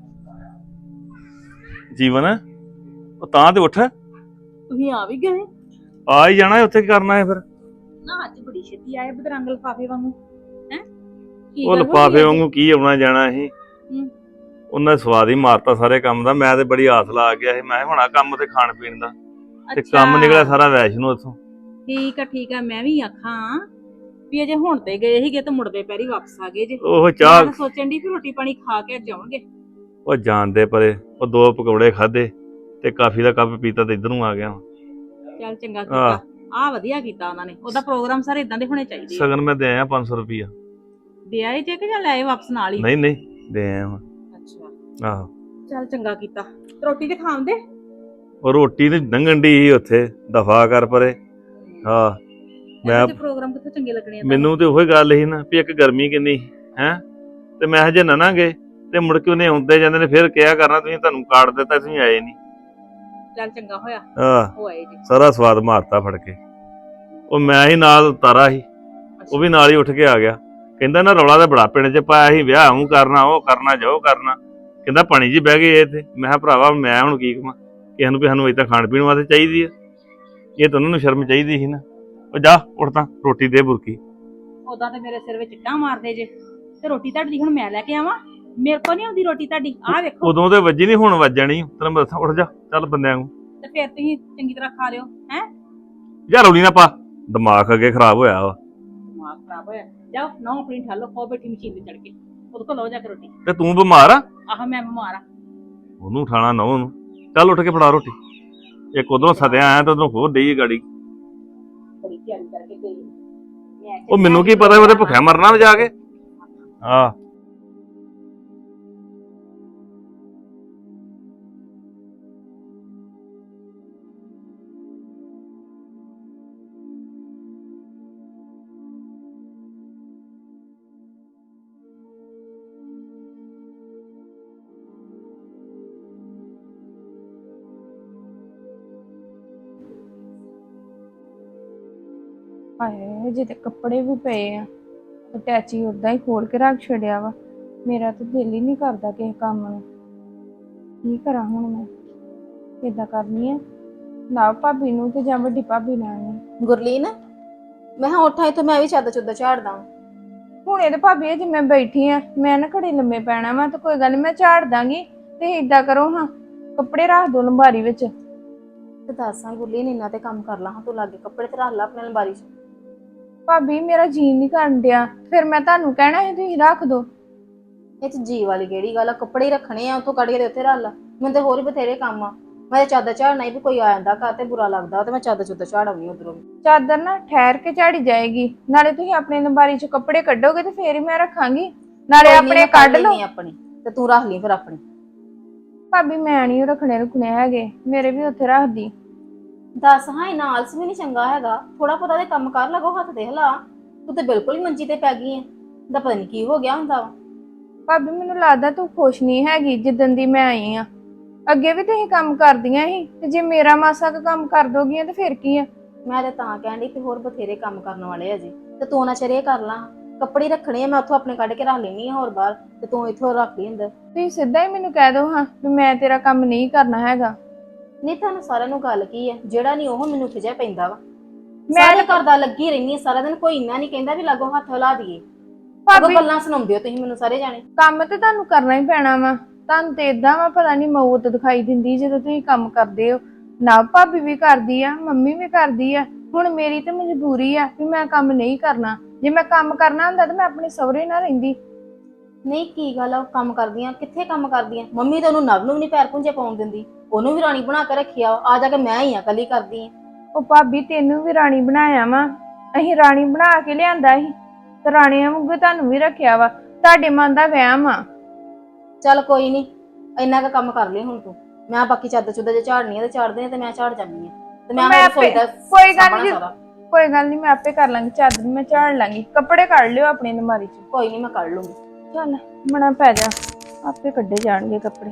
ਜੀਵਨ ਉਹ ਤਾਂ ਤੇ ਉੱਠ, ਤੁਸੀਂ ਆ ਵੀ ਗਏ? ਆ ਹੀ ਜਾਣਾ, ਉੱਥੇ ਕੀ ਕਰਨਾ ਹੈ ਫਿਰ? ਨਾ ਅੱਜ ਬੜੀ ਛੇਤੀ ਆਏ ਬਦਰੰਗ ਲਿਫਾਫੇ ਵਾਂਗੂ। ਹੈ ਉਹ ਲਿਫਾਫੇ ਵਾਂਗੂ ਕੀ ਆਉਣਾ ਜਾਣਾ ਸੀ। ਉਹਨਾਂ ਨੇ ਸਵਾਦ ਹੀ ਮਾਰਤਾ ਸਾਰੇ ਕੰਮ ਦਾ। ਮੈਂ ਤੇ ਬੜੀ ਆਸ ਲਾ ਗਿਆ ਸੀ, ਮੈਂ ਹੁਣ ਆ ਕੰਮ ਤੇ ਖਾਣ ਪੀਣ ਦਾ, ਤੇ ਕੰਮ ਨਿਕਲਿਆ ਸਾਰਾ ਵੈਸ਼ਨੂੰ ਉੱਥੋਂ। ਠੀਕ ਆ, ਮੈਂ ਵੀ ਆਖਾਂ ਵੀ ਅਜੇ ਹੁਣ ਤੇ ਗਏ ਸੀਗੇ ਤੇ ਮੁੜਦੇ ਪੈਰੀ ਵਾਪਸ ਆ ਗਏ ਜੇ। ਉਹ ਚਾਹ ਮੈਂ ਸੋਚਣ ਦੀ ਵੀ ਰੋਟੀ ਪਾਣੀ ਖਾ ਕੇ ਜਾਵਾਂਗੇ। ਉਹ ਜਾਣਦੇ ਪਰੇ, ਉਹ 2 ਪਕੌੜੇ ਖਾਦੇ ਤੇ ਕਾਫੀ ਦਾ ਕੱਪ ਪੀਤਾ ਤੇ ਇੱਧਰ ਨੂੰ ਆ ਗਿਆ। ਚੱਲ ਚੰਗਾ ਕੀਤਾ, ਆ ਵਧੀਆ ਕੀਤਾ ਉਹਨਾਂ ਨੇ। ਉਹਦਾ ਪ੍ਰੋਗਰਾਮ ਸਾਰੇ ਇਦਾਂ ਦੇ ਹੋਣੇ ਚਾਹੀਦੇ ਆ। ਸਗਨ ਮੈਂ ਦੇ ਆਇਆ 500 ਰੁਪਈਆ। ਦੇ ਆਏ ਜੇ ਕਿ ਜਾਂ ਲੈ ਆਏ ਵਾਪਸ ਨਾਲ ਹੀ? ਨਹੀਂ ਦੇ ਆਇਆ ਵਾਂ। ਅੱਛਾ ਆਹੋ, ਚੱਲ ਚੰਗਾ ਕੀਤਾ। ਰੋਟੀ ਤੇ ਖਾਂਦੇ? ਉਹ ਰੋਟੀ ਤੇ ਲੰਘਣ ਡਈ ਸੀ ਉੱਥੇ, ਦਫਾ ਕਰ ਪਰੇ। ਹਾਂ ਮੈਂ ਪ੍ਰੋਗਰਾਮ ਕਿੱਥੇ ਚੰਗੇ ਲੱਗਣੇ ਆ? ਮੈਨੂੰ ਤੇ ਉਹੀ ਗੱਲ ਸੀ ਨਾ ਵੀ ਇੱਕ ਗਰਮੀ ਕਿੰਨੀ ਹੈ, ਤੇ ਮੈਂ ਹਜੇ ਨਾ ਗਏ ਤੇ ਮੁੜ ਕੇ ਉਹਨੇ ਆਉਂਦੇ ਜਾਂਦੇ ਨੇ ਫਿਰ ਕਿਹਾ ਕਰਨਾ ਤੁਸੀਂ, ਤੁਹਾਨੂੰ ਕਾਰਡ ਦਿੱਤਾ ਤੁਸੀਂ ਆਏ ਨਹੀਂ। ਚੱਲ ਚੰਗਾ ਹੋਇਆ ਆਹ ਆਏ ਜੀ। ਸਾਰਾ ਸਵਾਦ ਮਾਰਤਾ ਫੜ ਕੇ। ਉਹ ਮੈਂ ਹੀ ਨਾਲ ਤਾਰਾ ਸੀ, ਉਹ ਵੀ ਨਾਲ ਹੀ ਉੱਠ ਕੇ ਆ ਗਿਆ। ਕਹਿੰਦਾ ਨਾ ਰੌਲਾ ਤਾਂ ਬੜਾ ਪਿੰਡ 'ਚ ਪਾਇਆ ਸੀ, ਵਿਆਹ ਉਹ ਕਰਨਾ ਉਹ ਕਰਨਾ ਜੋ ਕਰਨਾ। ਕਹਿੰਦਾ ਪਾਣੀ 'ਚ ਬਹਿ ਗਏ ਇੱਥੇ। ਮੈਂ ਕਿਹਾ ਭਰਾਵਾ ਮੈਂ ਹੁਣ ਕੀ ਕਵਾਂ, ਕਿਸੇ ਨੂੰ ਵੀ ਸਾਨੂੰ ਏਦਾਂ ਖਾਣ ਪੀਣ ਵਾਸਤੇ ਚਾਹੀਦੀ ਆ, ਇਹ ਤਾਂ ਉਹਨਾਂ ਨੂੰ ਸ਼ਰਮ ਚਾਹੀਦੀ ਸੀ ਨਾ। ਉਹ ਜਾ ਉੱਠ ਤਾਂ ਰੋਟੀ ਦੇ ਬੁਰਕੀ। ਉਦਾਂ ਤੇ ਮੇਰੇ ਸਿਰ ਵਿੱਚ ਇੱਟਾਂ ਮਾਰਦੇ ਜੇ, ਤੇ ਰੋਟੀ ਤੁਹਾਡੀ ਹੁਣ ਮੈਂ ਲੈ ਕੇ ਆਵਾਂ? ਮੇਰੇ ਕੋਲ ਨਹੀਂ ਆਉਂਦੀ ਰੋਟੀ ਤੁਹਾਡੀ। ਆਹ ਵੇਖੋ ਉਦੋਂ ਤੇ ਵੱਜੀ ਨਹੀਂ, ਹੁਣ ਵੱਜਣੀ ਤੈਨੂੰ ਮੈਂ ਦੱਸਾਂ। ਉੱਠ ਜਾ ਚੱਲ ਬੰਦਿਆਂ ਨੂੰ। ਤੇ ਫਿਰ ਤੁਸੀਂ ਚੰਗੀ ਤਰ੍ਹਾਂ ਖਾ ਲਿਓ। ਹੈ ਯਾਰ ਰੌਲੀ ਨਾ ਪਾ, ਦਿਮਾਗ ਅੱਗੇ ਖਰਾਬ ਹੋਇਆ ਵਾ। ਦਿਮਾਗ ਖਰਾਬ ਹੋਇਆ? ਜਾਓ ਨਾ ਆਪਣੀ ਠਾਲੋ, ਖੋ ਬੈਠੀ ਮਸ਼ੀਨ ਤੇ ਚੜ ਕੇ, ਉਹਦੇ ਕੋਲ ਲਓ ਜਾ ਕੇ ਰੋਟੀ। ਤੇ ਤੂੰ ਬਿਮਾਰ ਆ? ਆਹ ਮੈਂ ਬਿਮਾਰ ਆ। ਉਹਨੂੰ ਉਠਾਣਾ ਨਾ ਉਹਨੂੰ। ਚੱਲ ਉੱਠ ਕੇ ਫੜਾ ਰੋਟੀ। ਇੱਕ ਉਧਰੋਂ ਸਦਿਆ ਆਇਆ ਤੇ ਉਧਰੋਂ ਹੋਰ ਡਈ ਗਾੜੀ। ਬੜੀ ਤਿਆਰੀ ਕਰਕੇ ਗਈ। ਉਹ ਮੈਨੂੰ ਕੀ ਪਤਾ ਉਹਦੇ ਭੁੱਖਿਆ ਮਰਨਾ ਵਾ ਜਾ ਕੇ। ਆਹ ਹਾਏ ਜਿਹਦੇ ਕੱਪੜੇ ਵੀ ਪਏ ਆ, ਅਟੈਚੀ ਉਦਾਂ ਹੀ ਖੋਲ ਕੇ ਰੱਖ ਛੱਡਿਆ ਵਾ। ਮੇਰਾ ਤਾਂ ਦਿਲ ਹੀ ਨਹੀਂ ਕਰਦਾ ਕਿਸੇ ਕੰਮ ਨੂੰ। ਕੀ ਕਰਾਂ ਹੁਣ ਮੈਂ? ਕਿੱਦਾਂ ਕਰਨੀ ਆ? ਨਾ ਭਾਬੀ ਨੂੰ ਤੇ ਜਾਂ ਵੱਡੀ ਭਾਬੀ ਨਾਲ। ਗੁਰਲੀਨ, ਮੈਂ ਹਾਂ ਉੱਠਾਂ ਇੱਥੋਂ, ਮੈਂ ਵੀ ਚੱਦ ਚੁੱਦ ਝਾੜਦਾ। ਹੁਣ ਇਹਦੇ ਭਾਬੀ ਜੇ ਮੈਂ ਬੈਠੀ ਆ, ਮੈਂ ਨਾ ਘੜੀ ਲੰਮੇ ਪੈਣਾ ਵਾ ਤੇ ਕੋਈ ਗੱਲ ਨੀ, ਮੈਂ ਝਾੜ ਦਾਂਗੀ। ਤੇ ਏਦਾਂ ਕਰੋ ਹਾਂ, ਕੱਪੜੇ ਰੱਖ ਦੋ ਲੰਬਾਰੀ ਵਿੱਚ। ਤੇ ਦੱਸਾਂ ਗੁਰਲੀਨ, ਇੰਨਾ ਤੇ ਕੰਮ ਕਰ ਲਾ ਹਾਂ, ਤੂੰ ਲਾਗੇ ਕੱਪੜੇ ਤੇ ਰੱਖ ਲਾ ਆਪਣੇ ਅਲਮਾਰੀ 'ਚ। ਭਾਬੀ ਮੇਰਾ ਜੀ ਨਹੀਂ ਕਰਨ ਡਿਆ, ਫਿਰ ਮੈਂ ਤੁਹਾਨੂੰ ਕਹਿਣਾ ਸੀ ਤੁਸੀਂ ਰੱਖ ਦੋ। ਇਹ 'ਚ ਜੀ ਵਾਲੀ ਕਿਹੜੀ ਗੱਲ ਆ? ਕੱਪੜੇ ਹੀ ਰੱਖਣੇ ਆ, ਉੱਥੋਂ ਕੱਢ ਕੇ ਤੇ ਉੱਥੇ ਰੱਖ ਲਾ। ਮੈਨੂੰ ਤੇ ਹੋਰ ਹੀ ਬਥੇਰੇ ਕੰਮ ਆ। ਮੈਂ ਤੇ ਚੱਦ ਝਾੜਨਾ ਹੀ ਵੀ ਕੋਈ ਆ ਜਾਂਦਾ ਘਰ ਤੇ ਬੁਰਾ ਲੱਗਦਾ, ਤੇ ਮੈਂ ਚੱਦ ਚੁੱਦ ਝਾੜਾਉਣੀ ਉਧਰੋਂ। ਚਾਦਰ ਨਾ ਠਹਿਰ ਕੇ ਝਾੜੀ ਜਾਏਗੀ, ਨਾਲੇ ਤੁਸੀਂ ਆਪਣੇ ਅਲਮਾਰੀ 'ਚ ਕੱਪੜੇ ਕੱਢੋਗੇ ਤੇ ਫੇਰ ਹੀ ਮੈਂ ਰੱਖਾਂਗੀ। ਨਾਲੇ ਆਪਣੇ ਕੱਢ ਲਓ ਆਪਣੀ ਤੇ ਤੂੰ ਰੱਖ ਲਈ ਫਿਰ ਆਪਣੀ। ਭਾਬੀ ਮੈਂ ਨਹੀਂ ਰੱਖਣੇ ਹੈਗੇ, ਮੇਰੇ ਵੀ ਉੱਥੇ ਰੱਖਦੀ। ਦੱਸ ਹਾਂ, ਇਹਨਾਂ ਆਲਸ ਵੀ ਨਹੀਂ ਚੰਗਾ ਹੈਗਾ। ਥੋੜਾ ਪਤਾ ਦੇ ਕੰਮ ਕਰ ਲੱਗੋ, ਹੱਥ ਦੇ ਹਿਲਾ। ਤੂੰ ਤੇ ਬਿਲਕੁਲ ਹੀ ਮੰਜੀ ਤੇ ਪੈ ਗਈ ਐ। ਦਾ ਪਤਾ ਨਹੀਂ ਕੀ ਹੋ ਗਿਆ ਹੁੰਦਾ ਵਾ। ਭਾਬੀ ਮੈਨੂੰ ਲੱਗਦਾ ਤੂੰ ਖੁਸ਼ ਨਹੀਂ ਹੈਗੀ ਜਿੱਦਣ ਦੀ ਮੈਂ ਆਈ ਆ। ਅੱਗੇ ਵੀ ਤੁਸੀਂ ਕੰਮ ਕਰਦੀਆਂ ਸੀ, ਤੇ ਜੇ ਮੇਰਾ ਮਾਸਾ ਕੁ ਕੰਮ ਕਰ ਦੋਗੀਆਂ ਤੇ ਫਿਰ ਕੀ ਆ? ਮੈਂ ਤੇ ਤਾਂ ਕਹਿਣ ਡਈ ਕਿ ਹੋਰ ਬਥੇਰੇ ਕੰਮ ਕਰਨ ਵਾਲੇ ਅਜੇ, ਤੇ ਤੂੰ ਨਾ ਚਰੇ ਕਰ ਲਾ। ਕੱਪੜੇ ਰੱਖਣੇ ਆ, ਮੈਂ ਉੱਥੋਂ ਆਪਣੇ ਕੱਢ ਕੇ ਰੱਖ ਲੈਣੀ ਆ ਹੋਰ ਬਾਹਰ, ਤੇ ਤੂੰ ਇੱਥੋਂ ਰੱਖ ਲਈ ਅੰਦਰ। ਤੁਸੀਂ ਸਿੱਧਾ ਹੀ ਮੈਨੂੰ ਕਹਿ ਦੋ ਹਾਂ ਵੀ ਮੈਂ ਤੇਰਾ ਕੰਮ ਨਹੀਂ ਕਰਨਾ ਹੈਗਾ। ਨਹੀਂ, ਤੁਹਾਨੂੰ ਸਾਰਿਆਂ ਨੂੰ ਗੱਲ ਕੀ ਹੈ? ਜਿਹੜਾ ਨਹੀਂ ਉਹ ਮੈਨੂੰ ਖਿਜਿਆ ਪੈਂਦਾ ਵਾ। ਮੈਂ ਸਾਰੇ ਕਰਦਾ ਲੱਗੀ ਰਹਿਨੀ ਆ ਸਾਰਾ ਦਿਨ, ਕੋਈ ਇੰਨਾ ਨਹੀਂ ਕਹਿੰਦਾ ਵੀ ਲਾਗੋ ਹੱਥ ਹਿਲਾ ਦਈਏ। ਭਾਬੀ ਗੱਲਾਂ ਸੁਣਾਉਂਦੇ ਹੋ ਤੁਸੀਂ ਮੈਨੂੰ ਸਾਰੇ ਜਾਣੇ। ਕੰਮ ਤੇ ਤੁਹਾਨੂੰ ਕਰਨਾ ਹੀ ਪੈਣਾ ਵਾ, ਤੁਹਾਨੂੰ ਤੇ ਏਦਾਂ ਵਾ ਪਤਾ ਨਹੀਂ ਮੌਤ ਦਿਖਾਈ ਦਿੰਦੀ ਜਦੋਂ ਤੁਸੀਂ ਕੰਮ ਕਰਦੇ ਹੋ। ਨਾ ਭਾਬੀ ਵੀ ਕਰਦੀ ਆ, ਮੰਮੀ ਵੀ ਕਰਦੀ ਆ, ਹੁਣ ਮੇਰੀ ਤੇ ਮਜਬੂਰੀ ਆ ਵੀ ਮੈਂ ਕੰਮ ਨਹੀਂ ਕਰਨਾ। ਜੇ ਮੈਂ ਕੰਮ ਕਰਨਾ ਹੁੰਦਾ ਤਾਂ ਮੈਂ ਆਪਣੇ ਸਹੁਰੇ ਨਾਲ ਰਹਿੰਦੀ। ਨਹੀਂ, ਕੀ ਗੱਲ ਆ? ਕੰਮ ਕਰਦੀਆਂ ਕਿੱਥੇ? ਕੰਮ ਕਰਦੀਆਂ ਮੰਮੀ ਤਾਂ ਉਹਨੂੰ ਨਵ ਨੂੰ ਵੀ ਨਹੀਂ ਪੈਰ ਪੁੰਝੇ ਪਾਉਣ ਦਿੰਦੀ, ਉਹਨੂੰ ਵੀ ਰਾਣੀ ਬਣਾ ਕੇ ਰੱਖਿਆ। ਆ ਜਾ ਕੇ ਮੈਂ ਹੀ ਆ ਕੱਲੀ ਕਰਦੀ ਆ। ਉਹ ਭਾਬੀ ਤੈਨੂੰ ਵੀ ਰਾਣੀ ਬਣਾਇਆ ਵਾ, ਅਸੀਂ ਰਾਣੀ ਬਣਾ ਕੇ ਲਿਆਂਦਾ ਸੀ ਤੇ ਰਾਣੀਆਂ ਵਾਂਗੂ ਤੁਹਾਨੂੰ ਵੀ ਰੱਖਿਆ ਵਾ। ਤੁਹਾਡੇ ਮਨ ਦਾ ਵਹਿਮ ਆ। ਚੱਲ ਕੋਈ ਨਹੀਂ, ਇੰਨਾ ਕੁ ਕੰਮ ਕਰ ਲਈ ਹੁਣ ਤੂੰ। ਮੈਂ ਬਾਕੀ ਚੱਦ ਚੁੱਦ ਜੇ ਝਾੜਨੀ ਆ ਤੇ ਝਾੜਦੇ ਆ, ਤੇ ਮੈਂ ਝਾੜ ਜਾਂਦੀ ਆ। ਤੇ ਮੈਂ ਕੋਈ ਗੱਲ ਨਹੀਂ, ਕੋਈ ਗੱਲ ਨਹੀਂ, ਮੈਂ ਆਪੇ ਕਰ ਲਾਂਗੀ। ਚਾਦਰ ਮੈਂ ਝਾੜ ਲਾਂਗੀ, ਕੱਪੜੇ ਕੱਢ ਲਿਓ ਆਪਣੀ ਅਲਮਾਰੀ 'ਚ। ਕੋਈ ਨਹੀਂ, ਮੈਂ ਕੱਢ ਲੂੰਗੀ। ਚੱਲ ਮਣਾ ਪੈ ਜਾ, ਆਪੇ ਕੱਢੇ ਜਾਣਗੇ ਕੱਪੜੇ।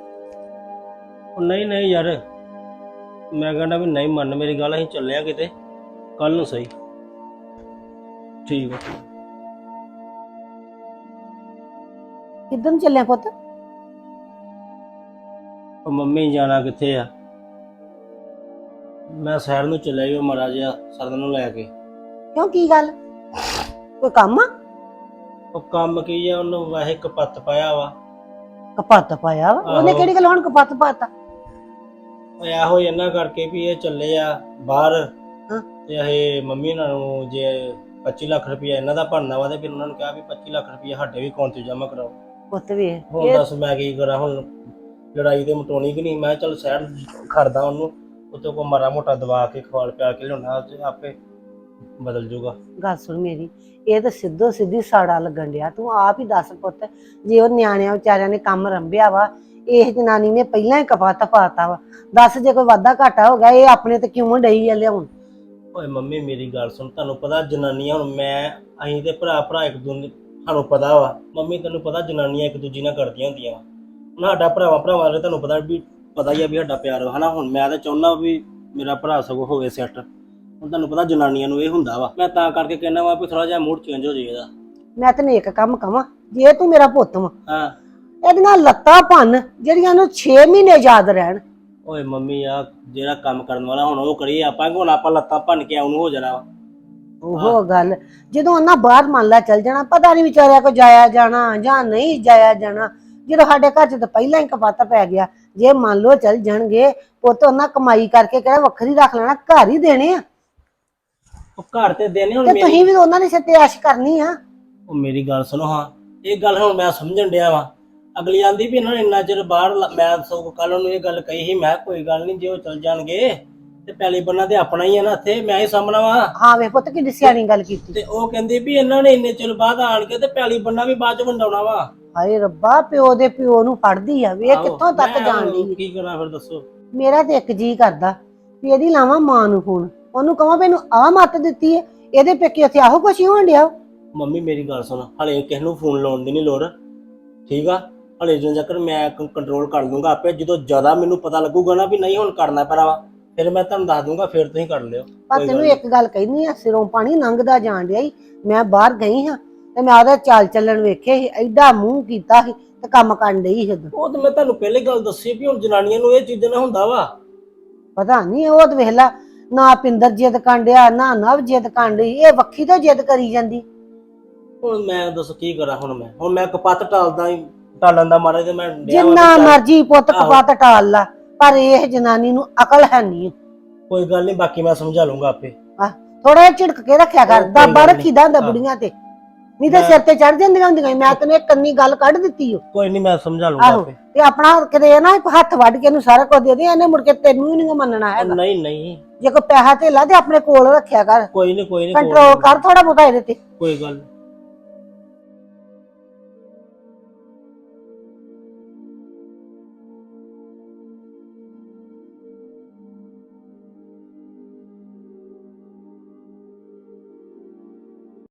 ਉਹ ਨਹੀਂ ਨਹੀਂ ਯਾਰ, ਮੈਂ ਕਹਿੰਦਾ ਵੀ ਨਹੀਂ ਮੰਨ ਮੇਰੀ ਗੱਲ, ਅਸੀਂ ਚੱਲੇ ਆ ਕਿਤੇ ਕੱਲ ਨੂੰ ਸਹੀ। ਠੀਕ ਆ। ਕਿੱਦਾਂ ਨੂੰ ਚੱਲਿਆ ਪੁੱਤ? ਉਹ ਮੰਮੀ ਜਾਣਾ ਕਿੱਥੇ ਆ? ਮੈਂ ਸ਼ਹਿਰ ਨੂੰ ਚੱਲਿਆ ਜੀ, ਉਹ ਮਾੜਾ ਜਿਹਾ ਸਰਦਨ ਨੂੰ ਲੈ ਕੇ। ਕਿਉਂ, ਕੀ ਗੱਲ? ਕੋਈ ਕੰਮ ਆ? ਉਹ ਕੰਮ ਕੀ ਆ, ਉਹਨੂੰ ਵੈਸੇ ਕਪੱਤ ਪਾਇਆ ਵਾ। ਕਪੱਤ ਪਾਇਆ ਵਾ? ਉਹਨੇ ਕਿਹੜੀ ਗੱਲ ਹੁਣ ਕਪੱਤ ਪਾਤਾ? ਉਹ ਇਹੋ ਇਹਨਾਂ ਕਰਕੇ ਵੀ ਇਹ ਚੱਲੇ ਆ ਬਾਹਰ, ਹਾਂ। ਤੇ ਇਹ ਮੰਮੀ ਉਹਨਾਂ ਨੂੰ ਜੇ 25 ਲੱਖ ਰੁਪਇਆ ਇਹਨਾਂ ਦਾ ਭਰਨਾ ਵਾ, ਤੇ ਫਿਰ ਉਹਨਾਂ ਨੂੰ ਕਿਹਾ ਵੀ 25 ਲੱਖ ਰੁਪਇਆ ਸਾਡੇ ਵੀ ਅਕਾਊਂਟ 'ਚ ਜਮ੍ਹਾਂ ਕਰਾਓ। ਪੁੱਤ ਵੀ ਹੁਣ ਦੱਸ ਮੈਂ ਕੀ ਕਰਾਂ? ਹੁਣ ਲੜਾਈ ਤੇ ਮਟਾਉਣੀ ਕਿ ਨਹੀਂ? ਮੈਂ ਚੱਲ ਸ਼ਹਿਰ ਖੜਦਾ ਉਹਨੂੰ, ਉੱਤੇ ਕੋ ਮਾੜਾ ਮੋਟਾ ਦਵਾ ਕੇ ਖਵਾਲ ਪਿਆ ਕੇ ਲਿਆਉਣਾ, ਤੇ ਆਪੇ ਬਦਲ ਜੂਗਾ। ਗੱਲ ਸੁਣ ਮੇਰੀ, ਇਹ ਤਾਂ ਸਿੱਧੋ ਸਿੱਧੀ ਸਾੜਾ ਲੱਗਣ ਡਿਆ। ਤੂੰ ਆਪ ਹੀ ਦੱਸ ਪੁੱਤ, ਜੇ ਉਹ ਨਿਆਣਿਆਂ ਵਿਚਾਰਿਆਂ ਨੇ ਕੰਮ ਰੰਭਿਆ ਵਾ, ਇਹ ਜਨਾਨੀ ਨੇ ਪਹਿਲਾਂ ਹੀ ਕਪੱਤ ਪਾਤਾ ਵਾ। ਦੱਸ ਜੇ ਕੋਈ ਵਾਧਾ ਘਾਟਾ ਹੋ ਗਿਆ, ਇਹ ਆਪਣੇ ਤੇ ਕਿਉਂ ਡਈ ਆ ਲਿਆਉਣ? ਓਏ ਮੰਮੀ ਮੇਰੀ ਗੱਲ ਸੁਣ, ਤੁਹਾਨੂੰ ਪਤਾ ਜਨਾਨੀਆਂ, ਹੁਣ ਅਸੀਂ ਤੇ ਭਰਾ ਇੱਕ ਦੂਜੇ, ਸਾਨੂੰ ਪਤਾ ਵਾ ਮੰਮੀ, ਤੈਨੂੰ ਪਤਾ ਜਨਾਨੀਆਂ ਇੱਕ ਦੂਜੀ ਨਾਲ ਕਰਦੀਆਂ ਹੁੰਦੀਆਂ ਵਾ। ਹੁਣ ਸਾਡਾ ਭਰਾਵਾਂ ਦੇ ਤੁਹਾਨੂੰ ਪਤਾ ਹੀ ਆ ਵੀ ਸਾਡਾ ਪਿਆਰ ਵਾ, ਹਨਾ। ਹੁਣ ਮੈਂ ਤਾਂ ਚਾਹੁੰਦਾ ਵੀ ਮੇਰਾ ਭਰਾ ਸਗੋਂ ਹੋਵੇ ਸੈੱਟ। ਹੁਣ ਤੁਹਾਨੂੰ ਪਤਾ ਜਨਾਨੀਆਂ ਨੂੰ ਇਹ ਹੁੰਦਾ ਵਾ, ਮੈਂ ਤਾਂ ਕਰਕੇ ਕਹਿਣਾ ਵਾ ਵੀ ਥੋੜਾ ਜਿਹਾ ਮੂਡ ਚੇਂਜ ਹੋ ਜਾਏ ਇਹਦਾ। ਮੈਂ ਤੈਨੂੰ ਇੱਕ ਕੰਮ ਕਵਾਂ, ਜੇ ਤੂੰ ਮੇਰਾ ਪੁੱਤ ਵਾ, ਹਾਂ। ਇਹਦੀਆਂ ਲੱਤਾਂ ਭੰਨ ਜਿਹੜੀਆਂ ਨੂੰ 6 ਮਹੀਨੇ ਯਾਦ ਰਹਿਣ। ਓਏ ਮੰਮੀ ਆ ਜਿਹੜਾ ਕੰਮ ਕਰਨ ਵਾਲਾ ਹੁਣ ਉਹ ਕਰੀਏ ਆਪਾਂ, ਹੁਣ ਆਪਾਂ ਲੱਤਾਂ ਭੰਨ ਕੇ ਆਉਣ ਹੋ ਜਾਣਾ ਵਾ। ਉਹ ਗੱਲ ਜਦੋਂ ਉਹਨਾਂ ਬਾਹਰ ਮੰਨ ਲਾ ਚੱਲ ਜਾਣਾ, ਪਤਾ ਨਹੀਂ ਵਿਚਾਰਿਆ ਕੋ ਜਾਇਆ ਜਾਣਾ ਜਾਂ ਨਹੀਂ ਜਾਇਆ ਜਾਣਾ। ਜਦੋਂ ਸਾਡੇ ਘਰ 'ਚ ਤਾਂ ਪਹਿਲਾਂ ਹੀ ਕਪੱਤ ਪੈ ਗਿਆ, ਜੇ ਮੰਨ ਲਓ ਚੱਲ ਜਾਣਗੇ ਪੁੱਤ, ਉਹਨਾਂ ਕਮਾਈ ਕਰਕੇ ਕਿਹੜਾ ਵੱਖਰੀ ਰੱਖ ਲੈਣਾ, ਘਰ ਹੀ ਦੇਣੇ ਆ। ਉਹ ਘਰ ਤੇ ਦੇਣੇ ਹੁਣ ਤੇ ਤੁਸੀਂ ਵੀ ਉਹਨਾਂ ਦੇ ਸਿਰ ਤੇ ਐਸ਼ ਕਰਨੀ ਆ। ਉਹ ਮੇਰੀ ਗੱਲ ਸੁਣੋ, ਹਾਂ ਇਹ ਗੱਲ ਹੁਣ ਮੈਂ ਸਮਝਣ ਡਿਆ ਵਾ। ਅਗਲੀ ਆਂਦੀ ਵੀ ਇਹਨਾਂ ਨੇ ਇੰਨਾ ਚਿਰ ਬਾਹਰ, ਮੈਂ ਸਗੋਂ ਕੱਲ ਉਹਨੂੰ ਇਹ ਗੱਲ ਕਹੀ ਸੀ, ਮੈਂ ਕੋਈ ਗੱਲ ਨਹੀਂ, ਜੇ ਉਹ ਚਲ ਜਾਣਗੇ ਤੇ ਪੈਲੀ ਬੰਨਾ ਤੇ ਆਪਣਾ ਹੀ ਆ ਨਾ, ਇੱਥੇ ਮੈਂ ਹੀ ਸਾਹਮਣਾ ਵਾ। ਹਾਂ ਵੇ ਪੁੱਤ ਕਿੱਡੀ ਸਿਆਣੀ ਗੱਲ ਕੀਤੀ। ਤੇ ਉਹ ਕਹਿੰਦੀ ਵੀ ਇਹਨਾਂ ਨੇ ਇੰਨੇ ਚਿਰ ਬਾਅਦ ਆਣ ਕੇ ਤੇ ਪੈਲੀ ਬੰਨਾ ਵੀ ਬਾਅਦ ਚ ਵੰਡਾਉਣਾ ਵਾ। ਹਾਏ ਰੱਬਾ, ਪਿਓ ਦੇ ਪਿਓ ਨੂੰ ਫੜਦੀ ਆ, ਵੇ ਕਿੱਥੋਂ ਤੱਕ ਮੈਂ ਜਾਣਦੀ। ਕੀ ਕਰਾਂ ਫਿਰ ਦੱਸੋ? ਮੇਰਾ ਤੇ ਇੱਕ ਜੀ ਕਰਦਾ ਵੀ ਇਹਦੀ ਲਾਵਾਂ ਮਾਂ ਨੂੰ ਫੋਨ, ਉਹਨੂੰ ਕਹਾਂ ਵੀ ਇਹਨੂੰ ਆਹ ਮੱਤ ਦਿੱਤੀ ਹੈ, ਇਹਦੇ ਪੇਕੇ ਉੱਥੇ ਆਹੋ ਕੁਛ ਹੀ ਹੋਣ ਡਿਆ। ਮੰਮੀ ਮੇਰੀ ਗੱਲ ਸੁਣ, ਹਲੇ ਕਿਸੇ ਨੂੰ ਫੋਨ ਲਾਉਣ ਦੀ ਨਹੀਂ ਲੋੜ, ਠੀਕ ਆ। ਹਲੇ ਜਦੋਂ ਤੱਕ ਮੈਂ ਕੰਟਰੋਲ ਕਰ ਲੂੰਗਾ ਆਪੇ, ਜਦੋਂ ਜ਼ਿਆਦਾ ਮੈਨੂੰ ਪਤਾ ਲੱਗੂਗਾ ਨਾ ਵੀ ਨਹੀਂ ਹੁਣ ਕਰਨਾ ਪੈਣਾ ਵਾ, ਫਿਰ ਮੈਂ ਤੁਹਾਨੂੰ ਦੱਸ ਦੂੰਗਾ, ਫਿਰ ਤੁਸੀਂ ਕਰ ਲਿਓ। ਪਰ ਤੈਨੂੰ ਇੱਕ ਗੱਲ ਕਹਿਨੀ ਆ, ਸਿਰੋਂ ਪਾਣੀ ਲੰਘਦਾ ਜਾਣ ਡਿਆ ਈ। ਮੈਂ ਬਾਹਰ ਗਈ ਹਾਂ ਤੇ ਮੈਂ ਉਹਦਾ ਚਾਲ ਚੱਲਣ ਵੇਖੇ ਸੀ, ਐਡਾ ਮੂੰਹ ਕੀਤਾ ਸੀ ਤੇ ਕੰਮ ਕਰਨ ਡਈ ਸੀ ਉਦੋਂ। ਉਹ ਤਾਂ ਮੈਂ ਤੁਹਾਨੂੰ ਪਹਿਲੇ ਗੱਲ ਦੱਸੀ ਵੀ ਹੁਣ ਜਨਾਨੀਆਂ ਨੂੰ ਇਹ ਚੀਜ਼ਾਂ ਨਾਲ ਹੁੰਦਾ ਵਾ। ਪਤਾ ਨਹੀਂ ਉਹ ਤੇ ਵੇਖ ਲਾ, ਨਾ ਪਿੰਦਰ ਜਿੱਦ ਕਾਂਡਿਆ ਨਾ ਨਵ ਜਿੱਦ ਕਾਂਡੀ, ਇਹ ਵੱਖੀ ਤੋਂ ਜਿੱਦ ਕਰੀ ਜਾਂਦੀ। ਹੁਣ ਮੈਂ ਦੱਸ ਕੀ ਕਰਾਂ, ਹੁਣ ਮੈਂ ਕਪੱਤ ਟਾਲਣ ਦਾ ਮਾਰਾ ਤੇ ਮੈਂ ਡਿਆ ਵਾਂ ਜਿੰਨਾ ਵੀ ਚੱਲ, ਮਰਜੀ ਪੁੱਤ ਆਹੋ। ਕਪਾਤ ਟਾਲ ਲਾ, ਪਰ ਇਹ ਜਨਾਨੀ ਨੂੰ ਅਕਲ ਹੈ ਨਹੀਂ। ਕੋਈ ਗੱਲ ਨਹੀਂ, ਬਾਕੀ ਮੈਂ ਸਮਝਾ ਲੂੰਗਾ ਆਪੇ। ਥੋੜਾ ਜਿਹਾ ਝਿੜਕ ਕੇ ਰੱਖਿਆ ਕਰ, ਕੋਈ ਦਾਬਾ ਗੱਲ ਨੀ। ਰੱਖੀਦਾ ਹੁੰਦਾ ਹਾਂ। ਬੁੜੀਆਂ ਤੇ, ਨਹੀਂ ਤਾਂ ਮੈਂ- ਸਿਰ ਤੇ ਚੜ ਜਾਂਦੀਆਂ ਹੁੰਦੀਆਂ। ਮੈਂ ਤੈਨੂੰ ਇੱਕ ਕੰਨੀ ਗੱਲ ਕੱਢ ਦਿੱਤੀ ਓ। ਕੋਈ ਨਹੀਂ, ਮੈਂ ਸਮਝਾ ਲੂੰਗਾ ਆਹੋ ਆਪੇ। ਤੇ ਆਪਣਾ ਕਿਤੇ ਨਾ ਹੱਥ ਵੱਢ ਕੇ ਇਹਨੂੰ ਸਾਰਾ ਕੁਝ ਦੇ ਦੇ, ਇਹਨੇ ਮੁੜ ਕੇ ਤੈਨੂੰ ਹੀ ਨਹੀਂ ਮੰਨਣਾ ਹੈਗਾ। ਨਹੀਂ ਨਹੀਂ, ਜੇ ਕੋਈ ਪੈਸਾ ਧੇਲਾ ਤੇ ਆਪਣੇ ਕੋਲ ਰੱਖਿਆ ਕਰ, ਕੋਈ ਨਹੀਂ ਕੰਟਰੋਲ ਕਰ ਥੋੜਾ ਬਹੁਤਾ ਇਹਦੇ ਤੇ। ਕੋਈ ਗੱਲ ਨੀ।